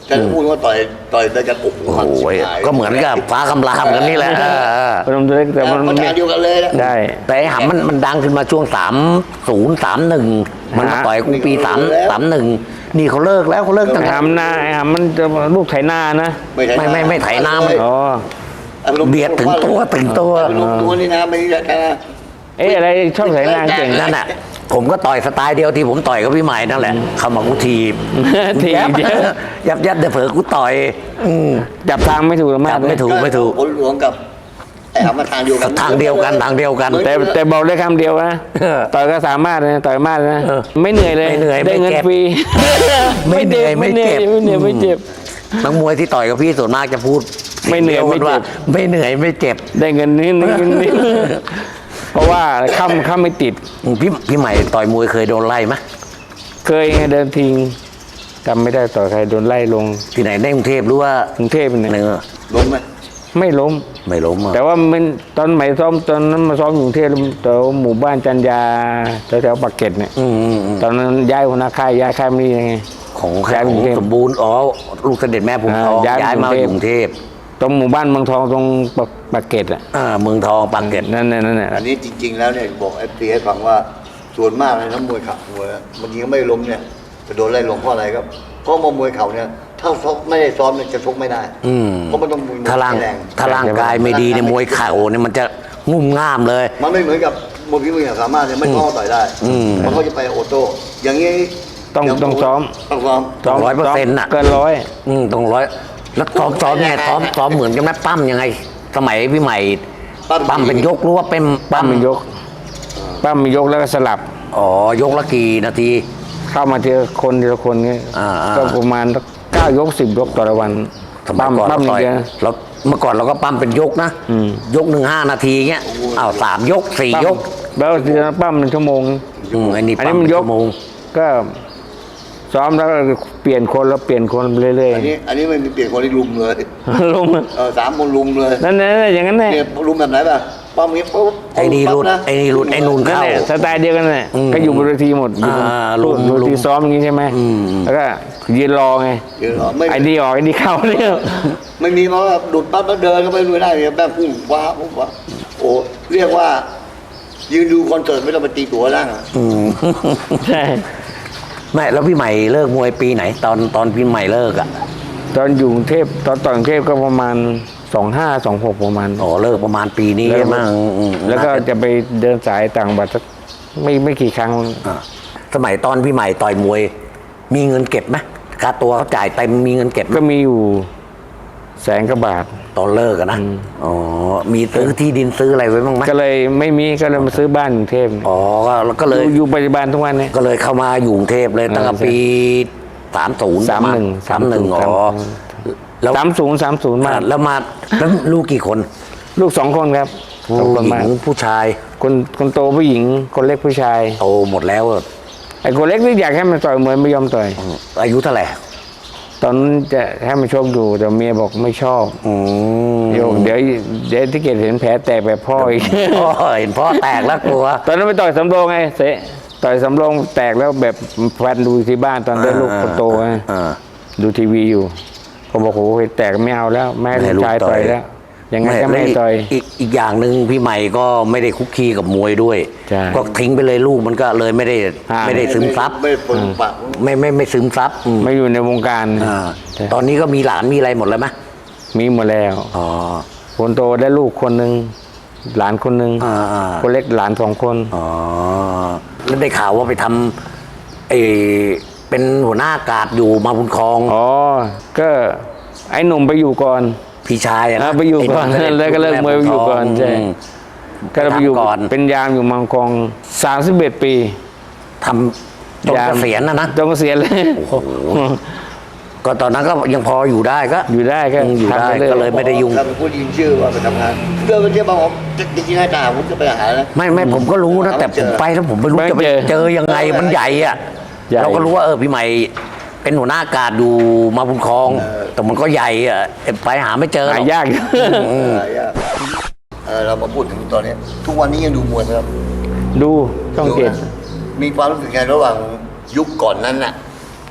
[SPEAKER 3] จะพูดว่าต่อยต่อยได้กันโอ้โห
[SPEAKER 1] โอ้ยก็เหมือนกับฟ้าคำรามกันนี่แหละเออ
[SPEAKER 2] พนมตัวเล็กแต่
[SPEAKER 3] แต่
[SPEAKER 2] มัน
[SPEAKER 3] มันทางเดียวกันเลยนะ
[SPEAKER 2] ได้
[SPEAKER 1] แต่ไอ้หำมันมันดังขึ้นมาช่วงสามศูนย์สามหนึ่งมันมาต่อยกูปีสามสามหนึ่งนี่เขาเลิกแล้วเขาเลิกตั้ง
[SPEAKER 2] ไอ้
[SPEAKER 1] แต่
[SPEAKER 2] หำหน้าไอ้หำมันจะลูกไถนานะ
[SPEAKER 1] ไม่ไม่ไม่ไถน้ำ
[SPEAKER 2] อ๋อ
[SPEAKER 1] เบียดถึงตัวถึงตัว
[SPEAKER 3] ลงตัวนี่นะไม่ได้กันนะ
[SPEAKER 2] เอ๊ะอะไรชอบไถนาเก่ง
[SPEAKER 1] นั่นน่ะ ผมก็ต่อยสไตล์เดียวที่ผมต่อยกับพี่ใหม่นั่นแหละเข้ามากูทีบ
[SPEAKER 2] ทีบเยอะ
[SPEAKER 1] ยับยับเดี๋ยวเผลอกูต่อยอืม
[SPEAKER 2] จับทางไม่ถูกมาก
[SPEAKER 1] จับไม่ถูก
[SPEAKER 3] ผลหลวงกับไอ้หามาทางเดียวกัน
[SPEAKER 1] ทางเดียวกันทางเดียวกัน
[SPEAKER 2] แต่แต่บอกได้คำเดียวนะ
[SPEAKER 1] เออ
[SPEAKER 2] ต่อยก็สามารถนะต่อยมากนะ
[SPEAKER 1] เออ
[SPEAKER 2] ไม่เหนื่อยเลย
[SPEAKER 1] ไม่เหนื่อย
[SPEAKER 2] ได้เงิน
[SPEAKER 1] ไม่เจ็บ
[SPEAKER 2] ฟรี
[SPEAKER 1] ไม่เหนื่อยไม่เจ็บ
[SPEAKER 2] ไม่เหนื่อยไม่เจ็บ
[SPEAKER 1] นักมวยที่ต่อยกับพี่ส่วนมากจะพูด
[SPEAKER 2] ไม่เหนื่อยไม่เจ็บ
[SPEAKER 1] ว่าไม่เหนื่อยไม่เจ็บ
[SPEAKER 2] ได้เงินนิดนิดนิดนิดเพราะว่าค่ำค่ำไม่ติด
[SPEAKER 1] พี่พี่ใหม่ต่อยมวยเคยโดนไล่ไหม
[SPEAKER 2] เคยไงเดินทิ้งจำไม่ได้ต่อยใครโดนไล่ลง
[SPEAKER 1] ที่ไหนในกรุงเทพหรือว่าก
[SPEAKER 2] รุงเทพเนี่ย
[SPEAKER 1] เนื้อ
[SPEAKER 3] ล้มไหม
[SPEAKER 2] ไม่ล้ม
[SPEAKER 1] ไม่ล้มอ่ะ
[SPEAKER 2] แต่ว่ามันตอนใหม่ซ้อมตอนนั้นมาซ้อมอยู่กรุงเทพแถวหมู่บ้านจันยาแถวๆปากเกร็ดเนี่ย
[SPEAKER 1] อืมอืมอืม
[SPEAKER 2] ตอนนั้นย้ายหัวหน้าค่ายย้ายค่ายไม่ยังไง
[SPEAKER 1] ของใคร
[SPEAKER 2] ย้าย
[SPEAKER 1] ข
[SPEAKER 2] ไป
[SPEAKER 1] อก
[SPEAKER 2] รุ
[SPEAKER 1] ง
[SPEAKER 2] งเทพ
[SPEAKER 1] สมบูรณ์อ๋อลูกเสด็จแม่ผมทอง
[SPEAKER 2] อ่าย้าย
[SPEAKER 1] ย้ายมา
[SPEAKER 2] ไป
[SPEAKER 1] อก
[SPEAKER 2] รุงเทพ
[SPEAKER 1] ยู่กรุงเทพ
[SPEAKER 2] ตรงหมู่บ้านเมืองทองตรงปากปากเกร็ดอ่ะ
[SPEAKER 1] อ่าเมืองทองปากเกร็ด
[SPEAKER 2] นั่นน่ะนั่นน่ะ
[SPEAKER 3] อันนี้จริง ๆ แล้วเนี่ยบอกเอฟซีให้ฟังว่าส่วนมากเลยนักมวยเข่ามวยบางทีก็ไม่ล้มเนี่ยจะโดนไล่ลงเพราะอะไรครับเพราะว่ามวยเข่าเนี่ยถ้าซ้อมไม่ได้ซ้อมเนี่ยจะชกไม่ได้
[SPEAKER 1] อืม
[SPEAKER 3] เพราะมันต้องมี
[SPEAKER 1] ถ้าร่าง
[SPEAKER 3] แรง
[SPEAKER 1] ถ้าร่างกายไม่ดีในยมวยเข่าเนี่ยมันจะงุ่มง่ามเลย
[SPEAKER 3] มันไม่เหมือนกับมวยพิมืออย่างสามารถเนี่ยไม่ต้องต่อยได้
[SPEAKER 1] อืม
[SPEAKER 3] มันก็จะไปโอโต้อย่างนี้
[SPEAKER 2] ต้อง
[SPEAKER 3] ย่า
[SPEAKER 2] ต้องซ้อม
[SPEAKER 3] ต้องซ้อม
[SPEAKER 1] สองร้อยเปอร์เซ็นต์น่ะ
[SPEAKER 2] เกินร้อย
[SPEAKER 1] อืมตรงร้อยแล้วซ้อมซ้อมไงซ้อมซ้อมเหมือนกันไหมปั้มยังไง สมัยพี่ใหม่ปั้มเป็นยกหรือว่าเป็น
[SPEAKER 2] ปั้มเป็นยกปั้มเป็นยกแล้วก็สลับ
[SPEAKER 1] อ๋อยกละกี่นาที
[SPEAKER 2] เข้ามาทีละคนทีละคนเงี้ย
[SPEAKER 1] อ่าอ่า
[SPEAKER 2] ก็ประมาณเก้ายกสิบยกต่อละวัน
[SPEAKER 1] สมัย
[SPEAKER 2] ปั้ม
[SPEAKER 1] ก่อน
[SPEAKER 2] ปั้ม
[SPEAKER 1] เรา
[SPEAKER 2] อ
[SPEAKER 1] ต่
[SPEAKER 2] ย่า
[SPEAKER 1] อง ย
[SPEAKER 2] เงี้ย
[SPEAKER 1] เราเมื่อก่อนเราก็ปั้มเป็นยกนะ
[SPEAKER 2] อืม
[SPEAKER 1] ยกหนึ่งห้านาทีเงี้ยอ้าวสามยกสี่
[SPEAKER 2] ปั้ม
[SPEAKER 1] ยก
[SPEAKER 2] แล้วทีละปั้มเป็นชั่วโมง
[SPEAKER 1] อืมอันนี้
[SPEAKER 2] อันนี้
[SPEAKER 1] ปั้ม
[SPEAKER 2] มัน
[SPEAKER 1] เป็น
[SPEAKER 2] ยก
[SPEAKER 1] ชั่วโมง
[SPEAKER 2] ก็ซ้อมแล้วก็เปลี่ยนคนแล้วเปลี่ยนคนไปเรื่อย
[SPEAKER 3] อันนี้อันนี้ไม่มีเปลี่ยนคนที่ลุมเลย
[SPEAKER 2] ๆลง
[SPEAKER 3] เออสามคนลุมเลย
[SPEAKER 2] นั่นนั่นอย่างนั้นแหละ
[SPEAKER 3] เนี่ยลุมแบบไหนป่ะป้อมนี้ปุ๊บ
[SPEAKER 1] ไอ้นี่รุด
[SPEAKER 3] ปั๊บะ
[SPEAKER 1] ไอ้นี่รุดไอ้นูน
[SPEAKER 2] นั่น
[SPEAKER 1] เข้า
[SPEAKER 2] แหละสไตล์เดียวกันแหละ
[SPEAKER 1] อืม
[SPEAKER 2] ก็อยู่บนเวทีหมดอยู่บน
[SPEAKER 1] อ่า
[SPEAKER 2] บน
[SPEAKER 1] ลุม
[SPEAKER 2] เวที
[SPEAKER 1] ลุม
[SPEAKER 2] ซ้อมอย่างนี้ใช่ไหม
[SPEAKER 1] อืม
[SPEAKER 2] แล้วก็ยืนรอไง
[SPEAKER 3] เดี๋ยวเหรอไม่
[SPEAKER 2] ไอ้นี่ออกไอ้นี่เข้าเนี่ย
[SPEAKER 3] ไม่มีเพราะว่าดุดปั๊บแล้วเดินก็ไม่รู้ได้เนี่ยแม่งพุ่งว้าพุ่งว้าโอ้เรียกว่า ยืนดูคอนเสิร์ตไม่ต้องไปตีตั๋วนั่งอะ
[SPEAKER 1] อืม
[SPEAKER 2] ใช่
[SPEAKER 1] ไม่แล้วพี่ใหม่เลิกมวยปีไหน ตอนตอนพี่ใหม่เลิกอ่ะ
[SPEAKER 2] ตอนอยู่กรุงเทพตอนต่อยกรุงเทพก็ประมาณสองห้าสองหกประมาณ
[SPEAKER 1] อ๋อเลิกประมาณปีนี้
[SPEAKER 2] แล้ว
[SPEAKER 1] ใช่ไหมอืมอืม
[SPEAKER 2] แล้วก็จะไปเดินสายต่างจังหวัดสักไม่ไม่กี่ครั้ง
[SPEAKER 1] อ่าสมัยตอนพี่ใหม่ต่อยมวย มีเงินเก็บไหมค่าตัวเขาจ่ายเต็มมีเงินเก็บไหม
[SPEAKER 2] ก็มีอยู่แสนกว่าบาท
[SPEAKER 1] ตอนเลิกอะนะอ๋อมีซื้อที่ดินซื้ออะไรไว้บ้างไหม
[SPEAKER 2] ก็เลยไม่มีก็เลยมาซื้อบ้านกรุงเทพเนี่ย
[SPEAKER 1] อ๋อก็แล้วก็
[SPEAKER 2] อ
[SPEAKER 1] เลย
[SPEAKER 2] ยู่อยู่ปัจจุบันทุกวันเนี่ย
[SPEAKER 1] ก็เลยเข้ามาอยู่กรุงเทพเลยตั้งแต่
[SPEAKER 2] ใช่
[SPEAKER 1] ปีสามศูนย์
[SPEAKER 2] สามหนึ่ง
[SPEAKER 1] สามหนึ่งอ๋อแล้ว
[SPEAKER 2] สามศูนย์สามศูนย์มา
[SPEAKER 1] อ่าแล้วมาแล้วลูกกี่คน
[SPEAKER 2] ลูกสองคนครับสอง
[SPEAKER 1] ผู้
[SPEAKER 2] คน
[SPEAKER 1] หญิ
[SPEAKER 2] มาก
[SPEAKER 1] งผู้ชาย
[SPEAKER 2] คนคนโตผู้หญิง คนเล็กผู้ชาย
[SPEAKER 1] โตหมดแล้วอะ
[SPEAKER 2] ไอ้คนเล็กนี่อยากให้มันต่อยมวยไม่ยอมต่อย
[SPEAKER 1] อายุเท่าไหร่
[SPEAKER 2] ตอนนั้นจะให้มันชกอยู่แต่เมียบอกไม่ชอบ
[SPEAKER 1] อืม
[SPEAKER 2] โยกเดี๋ยวเดี๋ยวที่เกดเห็นแผลแตกแบบพ่ออีก
[SPEAKER 1] พ่อเห็นพ่อแตกแล้วกลัว
[SPEAKER 2] ตอนนั้นไปต่อยสำโรงไงเสะต่อยสำโรงแตกแล้วแบบแฟนดูที่บ้านตอนได้ลูกคนโตไง
[SPEAKER 1] อ่า
[SPEAKER 2] ดูทีวีอยู่เขาบอกโอ้โหแตกไม่เอาแล้วแม่
[SPEAKER 1] ไม่ให้
[SPEAKER 2] ลู
[SPEAKER 1] ลู
[SPEAKER 2] ก
[SPEAKER 1] ก
[SPEAKER 2] ชาย
[SPEAKER 1] ต่
[SPEAKER 2] ต่
[SPEAKER 1] อ
[SPEAKER 2] อย ยแล้วยังไงก็ไม่ให้
[SPEAKER 1] แล้ว
[SPEAKER 2] ต่อย
[SPEAKER 1] อีกอีกอย่างหนึ่งพี่ใหม่ก็ไม่ได้คุกคีกับมวยด้วย
[SPEAKER 2] ใช่
[SPEAKER 1] ก็ทิ้งไปเลยลูกมันก็เลยไม่ได้
[SPEAKER 2] อ่า
[SPEAKER 1] ไม่ได้ซึมซับ
[SPEAKER 3] ไม่ได้ปนปาก
[SPEAKER 1] ไม่ไม่ไม่ซึมซับอืม
[SPEAKER 2] ไม่อยู่ในวงการ
[SPEAKER 1] อ่า
[SPEAKER 2] ใช่
[SPEAKER 1] ตอนนี้ก็มีหลานมีอะไรหมดแล้วไหม
[SPEAKER 2] มีหมดแล้ว
[SPEAKER 1] อ๋อ
[SPEAKER 2] คนโตได้ลูกคนหนึ่งหลานคนหนึ่ง
[SPEAKER 1] อ่าอ่า
[SPEAKER 2] คนเล็กหลานสองคน
[SPEAKER 1] อ๋อแล้วได้ข่าวว่าไปทำเออเป็นหัวหน้ากาดอยู่มาบุญครอง
[SPEAKER 2] อ๋อก็ไอ้หนุ่มไปอยู่ก่อน
[SPEAKER 1] พี่ชายอะนะ
[SPEAKER 2] อ่าไปอยู่ก่อน
[SPEAKER 1] ไหม
[SPEAKER 2] แล้วก็เลิกมวยไปอยู่ก่อนใช่
[SPEAKER 1] ม
[SPEAKER 2] ก็ไปอยู่
[SPEAKER 1] ทำก่อน
[SPEAKER 2] เป็นยามอยู่มังกรสามสิบเอ็ดปี
[SPEAKER 1] ทำจนเกษียณนะนะ
[SPEAKER 2] จนเกษียณเลย
[SPEAKER 1] ก็ตอนนั้นก็ยังพออยู่ได้ก็
[SPEAKER 2] อยู่ได้ก็
[SPEAKER 1] ยังอยู่ได้
[SPEAKER 2] ทำปรื่
[SPEAKER 1] ก็เลยไม่ได้ยุ่ง
[SPEAKER 3] ถ้าเป็นผู้ยิงชื่อว่าไปทำงานเดินไปเที่ยวบางผมจริงๆให้ตาผมจะไปหาแล้ว
[SPEAKER 1] ไม่ไม่ผมก็รู้นะแต่ผมไปแล้วผมไม่รู้จะไปเจอยังไงมันใหญ่อะ
[SPEAKER 2] ใหญ่
[SPEAKER 1] เราก็รู้ว่าเออพี่ใหม่เป็นหัวหน้ากาดอยู่มาบุญครอง แต่มันก็ใหญ่อะไปหาไม่เจอหร
[SPEAKER 2] หา
[SPEAKER 1] อก
[SPEAKER 2] ยาก
[SPEAKER 1] อืม
[SPEAKER 3] หายากเออเรามาพูดถึงตอนนี้ ทุกวันนี้ยังดูมวยไหมครับ
[SPEAKER 2] ดูช่องเจ็ด
[SPEAKER 3] ดูนะมีความรู้สึกไงระหว่างยุคก่อนนั้นน่ะ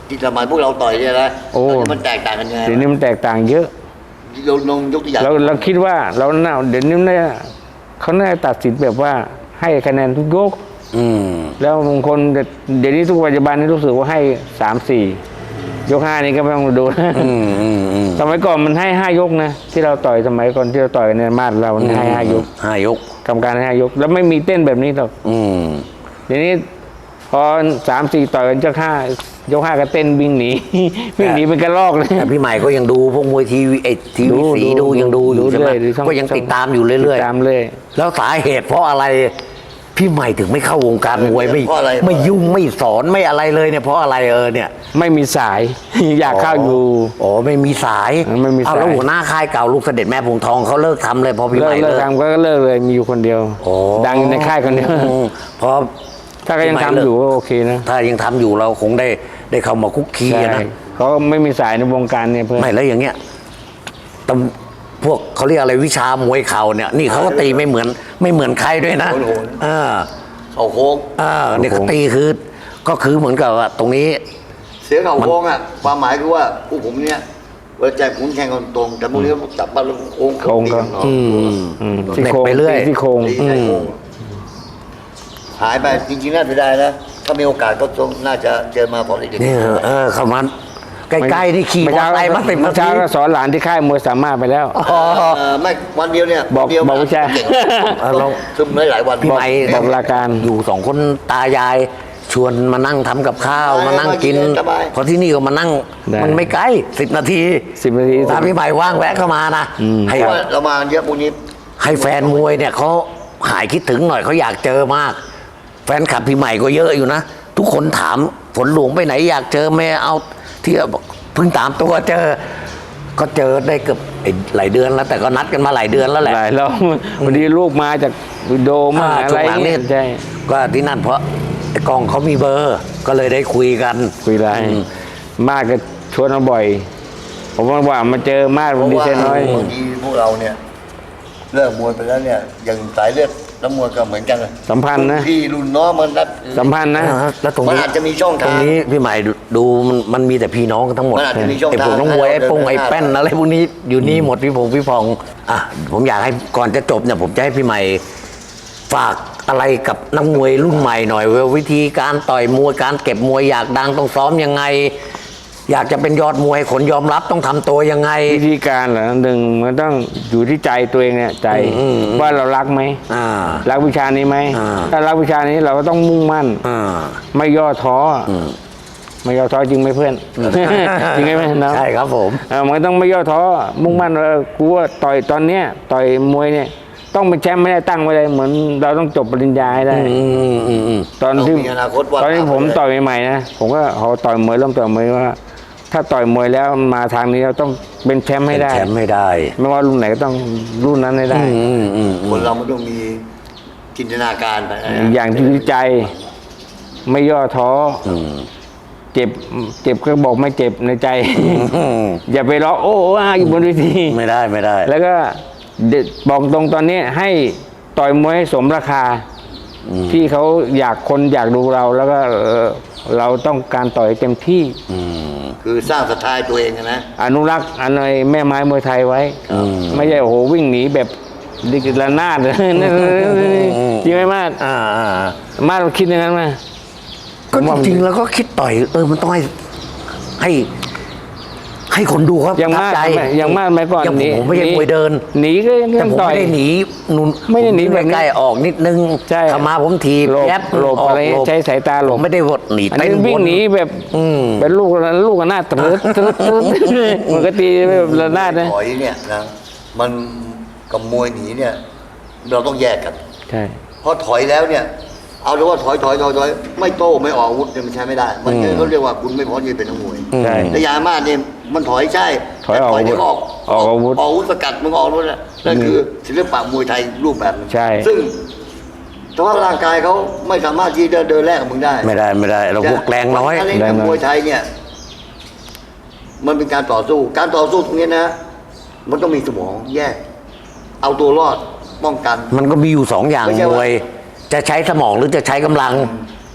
[SPEAKER 3] ที่สมัยพวกเราต่อยเนี่ยนะ
[SPEAKER 2] โอ้
[SPEAKER 3] ตอนนี้มันแตกต่างกันยังไง
[SPEAKER 2] เดี๋ยวนี้มันแตกต่างเยอะ
[SPEAKER 3] เราลองยกตัวอย่าง
[SPEAKER 2] เราเราคิดว่าเราเน่าเดี๋ยวนี้เนี่ยเขาน่าจะตัดสินแบบว่าให้คะแนนทุกยก
[SPEAKER 1] อืม
[SPEAKER 2] แล้วบางคนเดี๋ยวนี้ทุกปัจจุบันนี้รู้สึกว่าให้สามสี่ยกห้านี่ก็ไม่ต้องดู
[SPEAKER 1] อืมอืมอืม
[SPEAKER 2] สมัยก่อนมันให้ห้ายกนะที่เราต่อยสมัยก่อนที่เราต่อยในมาดเรามันให้ห้ายก
[SPEAKER 1] ห้ายก
[SPEAKER 2] กรรมการให้ห้ายก แล้วไม่มีเต้นแบบนี้หรอก
[SPEAKER 1] อืม
[SPEAKER 2] เดี๋ยวนี้พอสามสี่ต่อยกันเจ้าห้ายกห้าก็เต้นวิ่งหนี วิ่งหนีเป็นกระลอกเลย
[SPEAKER 1] แต่พี่ใหม่ก็ยังดูพวกมวยทีวีไอทีวีสีดูยังดูอยู่ใช่ไหม
[SPEAKER 2] ดูช่อ
[SPEAKER 1] ก็ยังติดตามอยู่เรื่อย
[SPEAKER 2] ติดตามเลย
[SPEAKER 1] ๆแล้วสาเหตุเพราะอะไรพี่ใหม่ถึงไม่เข้าวงการมวยไม่
[SPEAKER 3] เพราะอะไร
[SPEAKER 1] ไม่ยุ่งไม่สอนไม่อะไรเลยเนี่ยเพราะอะไรเออเนี่ย
[SPEAKER 2] ไม่มีสาย อยากเข้าอยู่
[SPEAKER 1] อ๋อไม่มีสาย
[SPEAKER 2] ไม่มีสาย
[SPEAKER 1] เอาแล้วหัวหน้าค่ายเก่าลูกเสด็จแม่พวงทองเขาเลิกทำเลยพอพี่ให
[SPEAKER 2] เลิก
[SPEAKER 1] ม่
[SPEAKER 2] เลิ
[SPEAKER 1] เลิ
[SPEAKER 2] ก
[SPEAKER 1] ก
[SPEAKER 2] ทำก็เลิกเลยมีอยู่คนเดียว
[SPEAKER 1] โอ้
[SPEAKER 2] ดังอยู่ในค่ายคนเดียว
[SPEAKER 1] อืมพอ
[SPEAKER 2] ถ้าก็ยังทำอยู่ก็โอเคนะ
[SPEAKER 1] ถ้ายังทำอยู่เราคงได้ได้เข้ามาคุกคี
[SPEAKER 2] ใช่
[SPEAKER 1] อะนะ
[SPEAKER 2] เขาไม่มีสายในวงการเนี่ยเพื่อน
[SPEAKER 1] ไม่แล้วอย่างเงี้ยตำพวกเขาเรียกอะไรวิชามวยเข่าเนี่ย นี่เขาก็ตีไม่เหมือน ไม่เหมือนใครด้วยนะ
[SPEAKER 3] โอ้โห
[SPEAKER 1] อ่า
[SPEAKER 3] เขาโค้ง
[SPEAKER 1] อ่าเนี่ยเขาตีคือ ก็คือเหมือนกับว่าตรงนี้
[SPEAKER 3] เสียเขาโค้งอ่ะความหมายคือว่าผู้ผมเนี่ยเวลาแจกขุนแข่งกันตรงแต่พวกนี้จับบ้านแล้วโค้ง
[SPEAKER 2] โค้งก็
[SPEAKER 3] ตีน
[SPEAKER 1] อืม
[SPEAKER 2] อืม
[SPEAKER 1] เหน็บไปเรื่อย
[SPEAKER 2] ตีซี่โครง
[SPEAKER 3] ตีใส่โค้งหายไปจริงๆน่าเสียดายนะถ้ามีโอกาสก็ต้องน่าจะเจอมาพอดี
[SPEAKER 1] เนี่ยเออเข้ามาใกล้ๆนี่ขี่มอเตอร์ไซค์มาติด
[SPEAKER 2] เมื่
[SPEAKER 1] มา
[SPEAKER 2] อเช้า
[SPEAKER 1] ที
[SPEAKER 2] ก็สอนหลานที่ค่ายมวยสามารถไปแล้ว
[SPEAKER 1] อ๋อ
[SPEAKER 3] เออไม่วันเดียวเนี่ย
[SPEAKER 2] บอก
[SPEAKER 3] วันเดียว
[SPEAKER 2] บอกวิชา
[SPEAKER 3] เก่ง
[SPEAKER 1] เออเรา
[SPEAKER 3] ซึมหลายๆวัน
[SPEAKER 1] พี่ใหม่
[SPEAKER 2] บอกลาการ
[SPEAKER 1] อยู่สองคนตายาย ชวนมานั่งทำกับข้าว
[SPEAKER 3] ได้
[SPEAKER 1] มานั่งกิน
[SPEAKER 3] สบาย
[SPEAKER 1] เพราะที่นี่ก็มานั่ง
[SPEAKER 2] ได้
[SPEAKER 1] มันไม่ไกลสิบนาที
[SPEAKER 2] สิบนาที
[SPEAKER 1] ถ้าพี่ใหม่ว่างแวะเข้ามานะ
[SPEAKER 2] อืม
[SPEAKER 1] ให้
[SPEAKER 3] เพราะว่าเรามาเยอะพวกนี้
[SPEAKER 1] ให้แฟนมวยเนี่ยเขาหายคิดถึงหน่อยเขาอยากเจอมาก แฟนคลับพี่ใหม่ก็เยอะอยู่นะ ทุกคนถามฝนหลวงไปไหนอยากเจอแม่เอาที่บอกเพิ่งตามตัวเจอ ก็เจอได้เกือบไอ้หลายเดือนแล้ว แต่ก็นัดกันมาหลายเดือนแล้วแหละ
[SPEAKER 2] หลายรอบวันนี้ลูกมาจากวิโดมา
[SPEAKER 1] อ่า
[SPEAKER 2] อะ
[SPEAKER 1] ช่
[SPEAKER 2] ไร
[SPEAKER 1] วงหลัง
[SPEAKER 2] เนี่
[SPEAKER 1] นี่
[SPEAKER 2] ยใช่
[SPEAKER 1] ก็ที่นั่นเพราะไอ้กองเขามีเบอร์ ก็เลยได้คุยกัน
[SPEAKER 2] คุยไร
[SPEAKER 1] อืม
[SPEAKER 2] มากก็ชวนมาบ่อย ผมว่าว่ามาเจอมาก
[SPEAKER 3] เพ
[SPEAKER 2] วัน
[SPEAKER 3] ราะ
[SPEAKER 2] นี้
[SPEAKER 3] ว่า
[SPEAKER 2] เช่น้อย
[SPEAKER 3] บางทีพวกเราเนี่ยเลิกมวยไปแล้วเนี่ยอย่างสายเลือดน้ำมวยก็เหมือนกันเลย
[SPEAKER 2] สัมพันธ์นะ
[SPEAKER 3] รุ่พี่รุ่นน้องมันนัด
[SPEAKER 2] สัมพันธ์นะ
[SPEAKER 1] อ่าแล้วตรง
[SPEAKER 3] มัน
[SPEAKER 1] นี้
[SPEAKER 3] อาจจะมีช่อง
[SPEAKER 1] ตร
[SPEAKER 3] ทาง ง
[SPEAKER 1] นี้พี่ใหม่ดูดูมันมันมีแต่พี่น้องกันทั้งหมด
[SPEAKER 3] มันอาจจะมีช่อง
[SPEAKER 1] ไอ้พวก
[SPEAKER 3] ทาง
[SPEAKER 1] น้องมวย
[SPEAKER 3] ให้
[SPEAKER 1] ไอ้
[SPEAKER 3] เรา
[SPEAKER 1] ปง
[SPEAKER 3] เดิน
[SPEAKER 1] ไอ้
[SPEAKER 3] หน้า
[SPEAKER 1] แป้นอะไรพวกนี้อยู่นี่หมดพี่พงพี่พองอ่ะผมอยากให้ก่อนจะจบเนี่ยผมจะให้พี่ใหม่ฝากอะไรกับนักมวยรุ่นใหม่หน่อยว่าวิธีการต่อยมวยการเก็บมวยอยากดังต้องซ้อมยังไง อยากจะเป็นยอดมวยคนยอมรับต้องทำตัวยังไง
[SPEAKER 2] วิธีการเหรอหนึ่งมันต้องอยู่ที่ใจตัวเองเนี่ยใจ
[SPEAKER 1] อืมอืม
[SPEAKER 2] ว่าเรารักไหม
[SPEAKER 1] อ่า
[SPEAKER 2] รักวิชานี้ไหม
[SPEAKER 1] อ่า
[SPEAKER 2] ถ้ารักวิชานี้เราก็ต้องมุ่งมั่น
[SPEAKER 1] อ่า
[SPEAKER 2] ไม่ย่อท้ออ
[SPEAKER 1] อืม
[SPEAKER 2] ไม่ย่อท้อจริงไหมเพื่อน จริงไหมนะ
[SPEAKER 1] ใช่ครับผม
[SPEAKER 2] เออมันต้องไม่ย่อท้อมุ่งมั่นว่ากูว่าต่อยตอนเนี้ยต่อยมวยเนี่ยต้องเป็นแชมป์ไม่ได้ตั้งไว้เลยเหมือนเราต้องจบปริญญาให้ได้
[SPEAKER 1] อืมอืมอืม
[SPEAKER 2] ตอนที่
[SPEAKER 3] ต้องมีอนาคตวาด
[SPEAKER 2] ตอนที่
[SPEAKER 3] ภาพ
[SPEAKER 2] ผม
[SPEAKER 3] ไว้เลย
[SPEAKER 2] ต่อยใหม่ๆนะผมก็เขาต่อยมวยเริ่มต่อยมวยว่า ถ้าต่อยมวยแล้วมาทางนี้เราต้องเป็นแชมป์ให้ได้
[SPEAKER 1] แชมป์ไม่ได้
[SPEAKER 2] ไม่ว่ารุ่นไหนก็ต้องรุ่นนั้นให้ได้
[SPEAKER 1] อืมอืมอืม
[SPEAKER 3] คนเรามันต้องมีจินตนาการไปนะ
[SPEAKER 2] อย่างที่ใจ ไม่ย่อท้ออ
[SPEAKER 1] อืม
[SPEAKER 2] เจ็บเจ็บก็บอกไม่เจ็บในใจ
[SPEAKER 1] อืม
[SPEAKER 2] อย่าไปร้องโอ้อาอยู่บนเวที
[SPEAKER 1] ไม่ได้ไม่ได้
[SPEAKER 2] แล้วก็เด็ดบอกตรงตอนนี้ให้ต่อยมวยให้สมราคา
[SPEAKER 1] อืม
[SPEAKER 2] ที่เขาอยากคนอยากดูเรา แล้วก็เอ่อเราต้องการต่อยเต็มที่
[SPEAKER 1] อืม
[SPEAKER 3] คือสร้างศรัทธาให้ตัวเองอะนะ
[SPEAKER 2] อนุรักษ์อันไอ้แม่ไม้มวยไทยไว้
[SPEAKER 1] อืม
[SPEAKER 2] ไม่ใช่โอ้โหวิ่งหนีแบบดิกระนาด เลยจริงไหมมาด
[SPEAKER 1] อ่าอ่า
[SPEAKER 2] มาดคิดอย่างนั้นไหม
[SPEAKER 1] ก็จริงๆแล้วก็คิดต่อยเออมันต้องให้ให้ ให้คนดูครับ
[SPEAKER 2] อย่างมาก
[SPEAKER 1] ประทับใจ
[SPEAKER 2] อย่างมากไหมก่อน
[SPEAKER 1] อย่าง
[SPEAKER 2] หนี
[SPEAKER 1] ผมไม่ใช่มวยเดิน
[SPEAKER 2] หนีก็ยัง
[SPEAKER 1] แต่ผม
[SPEAKER 2] ต่อย
[SPEAKER 1] ไม่ได้หนีนุ่น
[SPEAKER 2] ไม่ได้หนี
[SPEAKER 1] ผ
[SPEAKER 2] แบบนี้
[SPEAKER 1] ใกล้ๆออกนิดนึง
[SPEAKER 2] ใช่
[SPEAKER 1] เข้ามาผมทีบ
[SPEAKER 2] หลบ
[SPEAKER 1] แยบ
[SPEAKER 2] หลบ
[SPEAKER 1] ก
[SPEAKER 2] อะไร
[SPEAKER 1] หลบ
[SPEAKER 2] ใช้สายตาหล
[SPEAKER 1] ผ
[SPEAKER 2] บ
[SPEAKER 1] มไม่ได้วดหนี
[SPEAKER 2] อัน
[SPEAKER 1] เต้
[SPEAKER 2] นี้
[SPEAKER 1] น
[SPEAKER 2] วิ่ง
[SPEAKER 1] บน
[SPEAKER 2] หนีแบบ
[SPEAKER 1] อืม
[SPEAKER 2] เป็นลูกลูกกระนาดตรึดตรึดตรึดมันก็ตีแบบระนาดนะ
[SPEAKER 3] ถอยเนี่ยนะมันกับมวยหนีเนี่ย เราต้องแยกกัน
[SPEAKER 2] ใช่
[SPEAKER 3] เพราะถอยแล้วเนี่ย เอาเลยว่าถอยถอยถอยถอยไม่โต้ไม่ออกอาวุธเนี่ยมันใช้ไม่ได้ มัน
[SPEAKER 1] อืม
[SPEAKER 3] เขาเรียกว่าคุณไม่พร้อมที่จะเป็นนักมวย
[SPEAKER 2] ใช่
[SPEAKER 3] แต่ยามาเนี่ยมันถอยใช่
[SPEAKER 2] ถอยออก
[SPEAKER 3] แต่เดี๋ยวออก
[SPEAKER 2] ออกอาวุธ
[SPEAKER 3] ออกอาวุธสกัดมึงออกนู่นแหละนั่นคือศิลปะมวยไทยรูปแบบหนึง
[SPEAKER 2] ใช่
[SPEAKER 3] ซึ่งแต่ว่าร่างกายเขาไม่สามารถที่จะเดินแลกกับมึงได้
[SPEAKER 1] ไม่ได้ไม่ได้ เราพวกแรงน้อย
[SPEAKER 3] การเล่นกับมวยไทยเนี่ย มันเป็นการต่อสู้ การต่อสู้ตรงนี้นะ มันต้องมีสมองแยก เอาตัวรอดป้องกัน
[SPEAKER 1] มันก็มีอยู่สองอย่าง
[SPEAKER 3] ไม่ใช่
[SPEAKER 1] ม
[SPEAKER 3] ว่า
[SPEAKER 1] วย จะใช้สมองหรือจะใช้กำลัง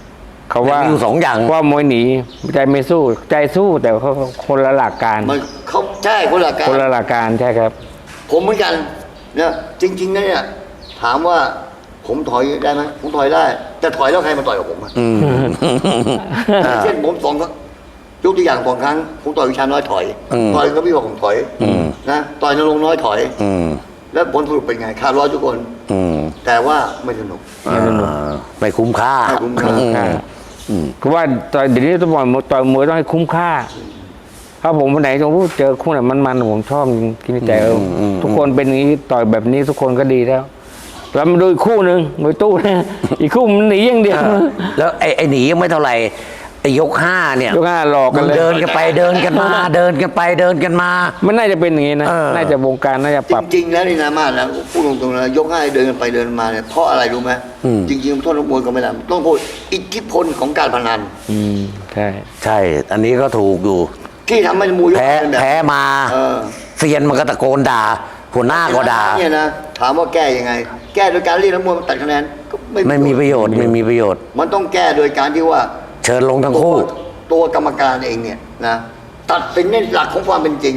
[SPEAKER 2] เขาว่า
[SPEAKER 1] มีอยู่สองอย่าง
[SPEAKER 2] ว่ามวยหนีใจไม่สู้ใจสู้แต่เขาคนละหลักการ
[SPEAKER 3] มันเขาใช่คนละการ
[SPEAKER 2] คนละหลักการใช่ครับ
[SPEAKER 3] ผมเหมือนกันเนี่ยจริงๆนะเนี่ยถามว่าผมถอยได้ไหมผมถอยได้แต่ถอยแล้วใครมาต่อยกับผมอะ
[SPEAKER 1] อืม
[SPEAKER 3] เช่นผมสองยกตัวอย่างสองครั้งผมต่อยวิชาน้อยถอย
[SPEAKER 1] อืม
[SPEAKER 3] ต่อยก็พี่บอกผมถอย
[SPEAKER 1] อืม
[SPEAKER 3] นะต่อยนรงค์น้อยถอย
[SPEAKER 1] อืม
[SPEAKER 3] แล้วผลสรุปเป็นไงขาดร้อยทุกคน
[SPEAKER 1] อืม
[SPEAKER 3] แต่ว่าไม่สนุก
[SPEAKER 1] อ่าไม่คุ้มค่า
[SPEAKER 3] ไม่คุ้มค่า
[SPEAKER 1] อืม
[SPEAKER 2] อืมคือว่าต่อยเดี๋ยวนี้ต้องบอกต่อยมวยต้องให้คุ้มค่าถ้าผมวันไหนผมเจอคู่ไหนมันๆผมชอบกินใจเอออทุกคนเป็นอย่างนี้ต่อยแบบนี้ทุกคนก็ดีแล้วแล้วมาดูอีกคู่หนึ่งมวยตู้เนี่ยอีกคู่มันหนีอย่างเดียว
[SPEAKER 1] แล้วไอ้ไอ้หนียังไม่เท่าไหร่ไอ้ยกห้าเนี่ย
[SPEAKER 2] ยกห้าหลอกกันเลย
[SPEAKER 1] เดินกันไปเดินกันมา เดินกันไปเดินกันมา
[SPEAKER 2] มันน่าจะเป็นอย่างนี้นะ
[SPEAKER 1] เออ
[SPEAKER 2] น่าจะวงการน่าจะ
[SPEAKER 3] จ
[SPEAKER 2] ปรับ
[SPEAKER 3] ริงๆแล้วนี่นะมาดนะพูดตรงๆนะยกให้เดินกันไปเดินมาเนี่ยเพราะอะไรรู้ไหมจริงๆโทษนักมวยก็ไม่ได้ต้องพูดอิทธิพลของการพนัน
[SPEAKER 2] อืมใช่
[SPEAKER 1] ใช่ อันนี้ก็ถูกอยู่
[SPEAKER 3] ที่ทำให้มวยยก
[SPEAKER 1] แพ้
[SPEAKER 3] เป็นแบบ
[SPEAKER 1] แพ้มา
[SPEAKER 3] เออ
[SPEAKER 1] เซียนมันก็ตะโกนด่าหัวหน้าก็ด่า
[SPEAKER 3] เนี่ยนะถามว่าแก้ยังไง แก้โดยการเรียกนักมวยมาตัดคะแนนก็
[SPEAKER 1] ไม่มีประโยชน์ไม่มีประโยชน์
[SPEAKER 3] มันต้องแก้โดยการที่ว่า
[SPEAKER 1] เชิญลงทั้ง
[SPEAKER 3] ตัว
[SPEAKER 1] คู่
[SPEAKER 3] ตัวกรรมการเองเนี่ยนะตัดสินในหลักของความเป็นจริง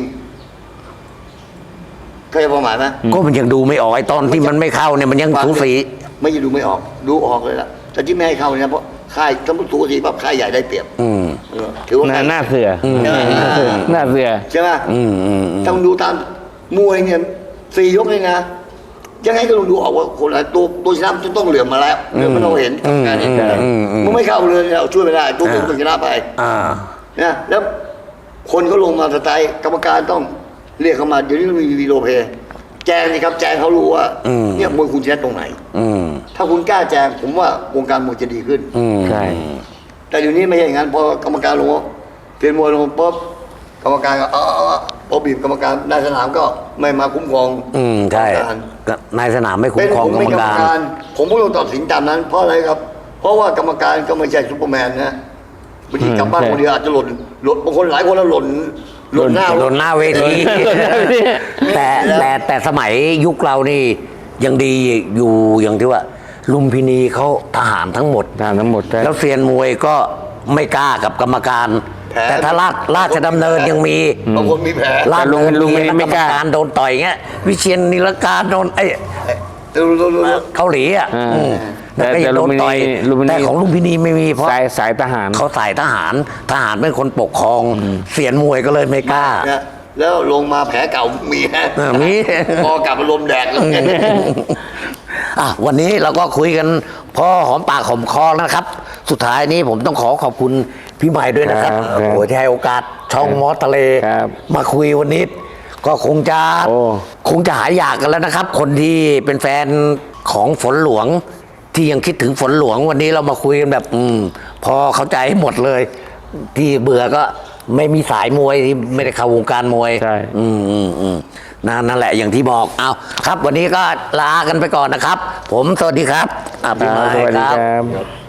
[SPEAKER 3] เข้าใจความหมายไหม
[SPEAKER 1] ก็มันยังดูไม่ออกไอ้ตอนที่มันไม่เข้าเนี่ยมันยังสูสี
[SPEAKER 3] ไม่จะดูไม่ออก ดูออกเลยล่ะแต่ที่ไม่ให้เข้าเนี่ยเพราะค่ายสมมติสูสีปั๊บค่ายใหญ่ได้เปรียบ
[SPEAKER 1] อืม
[SPEAKER 3] เออถือว่า
[SPEAKER 2] หน้า
[SPEAKER 3] ค่าย
[SPEAKER 2] หน้าเสืออ
[SPEAKER 3] ม
[SPEAKER 2] หน้าเสือ
[SPEAKER 3] ใช่ไหม
[SPEAKER 1] อืมอืมอืม
[SPEAKER 3] ต้องดูตามมวยเนี่ยสี่ยกเลยนะยังไงก็ต้องดูออกว่าคนละตัวตัวชนะมันต้องเหลื่อมมาแล้วเหลื่อมมันเราเห็นกรรมการเห็นอยู่แล้ว
[SPEAKER 1] อืมอืม
[SPEAKER 3] มันไม่เข้าเลยเราช่วยไม่ได้ตัวเป็นตัวชนะไป
[SPEAKER 1] อ่า
[SPEAKER 3] นะแล้วคนเขาลงมาสไตล์กรรมการต้องเรียกเขามาเดี๋ยวนี้มันมีวีดีโอเพย์แจ้งนี่ครับแจ้งเขารู้ว่า
[SPEAKER 1] อืม
[SPEAKER 3] เนี่ยมวยคุณชนะตรงไหน
[SPEAKER 1] อืม
[SPEAKER 3] ถ้าคุณกล้าแจ้งผมว่าวงการมวยจะดีขึ้น
[SPEAKER 1] อืม
[SPEAKER 2] ใช่
[SPEAKER 3] แต่เดี๋ยวนี้ไม่ใช่อย่างนั้นพอกรรมการลงเปลี่ยนมวยลงปุ๊บกรรมการก็เออเออพอบีบกรรมการนายสนามก็ไม่มาคุ้มครอง
[SPEAKER 1] อืมใช่
[SPEAKER 3] กรรมการ
[SPEAKER 1] ก็นายสนามไม่คุ้
[SPEAKER 3] เป็
[SPEAKER 1] ม
[SPEAKER 3] น
[SPEAKER 1] ครอง
[SPEAKER 3] ผม
[SPEAKER 1] กร
[SPEAKER 3] เป็น
[SPEAKER 1] รม
[SPEAKER 3] กรรม
[SPEAKER 1] การ
[SPEAKER 3] การ ผมก็ต้องตัดสินตามนั้น เพราะอะไรครับ เพราะว่ากรรมการก็ไม่ใช่ซุปเปอร์แมนนะบางทีกลับบ้าน
[SPEAKER 2] ใช่
[SPEAKER 3] คนเดียวอาจจะหล่นหล่นบางคนหลายคนแล้วหล่นหล่นหน้า
[SPEAKER 1] โดนหน้าเวที แต่แต่แต่สมัยยุคเรานี่ยังดีอยู่อย่างที่ว่า ลุมพินีเขาทหารทั้งหมด
[SPEAKER 2] ทางทั้งหมดใช่
[SPEAKER 1] แล้วเซียนมวยก็ไม่กล้ากับกรรมการ
[SPEAKER 3] แผล
[SPEAKER 1] แต่ถ้าราชราชดำเนินยังมี
[SPEAKER 3] บางคนมีแผล
[SPEAKER 1] ราช
[SPEAKER 2] ลุงลุง
[SPEAKER 1] ดำเนิน
[SPEAKER 2] ไม่
[SPEAKER 1] มี
[SPEAKER 2] กล้า
[SPEAKER 1] กรรมการโดนต่อยเงี้ย วิเชียนนิรการโดนไอ้
[SPEAKER 3] เร็วเร็วเร็วเร็ว
[SPEAKER 1] เกาหลีอ่ะ
[SPEAKER 2] อ่า
[SPEAKER 1] อืม
[SPEAKER 2] แต่
[SPEAKER 1] แล้วก็ยังโดนต่อย
[SPEAKER 2] แต่ลุมพินี
[SPEAKER 1] แต่ของลุมพินีไม่มีเพราะ
[SPEAKER 2] สายสายทหาร
[SPEAKER 1] เขาใส่ทหาร ทหารเป็นคนปกครอง เสียนมวยก็เลยไม่กล้า
[SPEAKER 3] นะแล้วลงมาแผลเก่ามีนะ
[SPEAKER 1] เออมี
[SPEAKER 3] พอกลับมาลมแดดเลย
[SPEAKER 1] อ่ะวันนี้เราก็คุยกันพอหอมปากหอมคอแล้วนะครับ สุดท้ายนี้ผมต้องขอขอบคุณพี่ใหม่ด้วยนะครับ
[SPEAKER 2] ครับ
[SPEAKER 1] โอ้โหที่ให้โอกาสช่องมอสทะเล
[SPEAKER 2] ครับ
[SPEAKER 1] มาคุยวันนี้ ก็คงจะ
[SPEAKER 2] โอ้
[SPEAKER 1] คงจะหายอยากกันแล้วนะครับ คนที่เป็นแฟนของฝนหลวง ที่ยังคิดถึงฝนหลวงวันนี้เรามาคุยกันแบบ อืม พอเข้าใจหมดเลย ที่เบื่อก็ไม่มีสายมวยที่ไม่ได้เข้าวงการมวย
[SPEAKER 2] ใช่
[SPEAKER 1] อืมอืมอืมนั่นนั่นแหละอย่างที่บอกเอาครับ วันนี้ก็ลากันไปก่อนนะครับ ผมสวัสดีครับอ่ะพี่หมาย
[SPEAKER 2] สวัสดี
[SPEAKER 1] ครับ
[SPEAKER 2] ครับ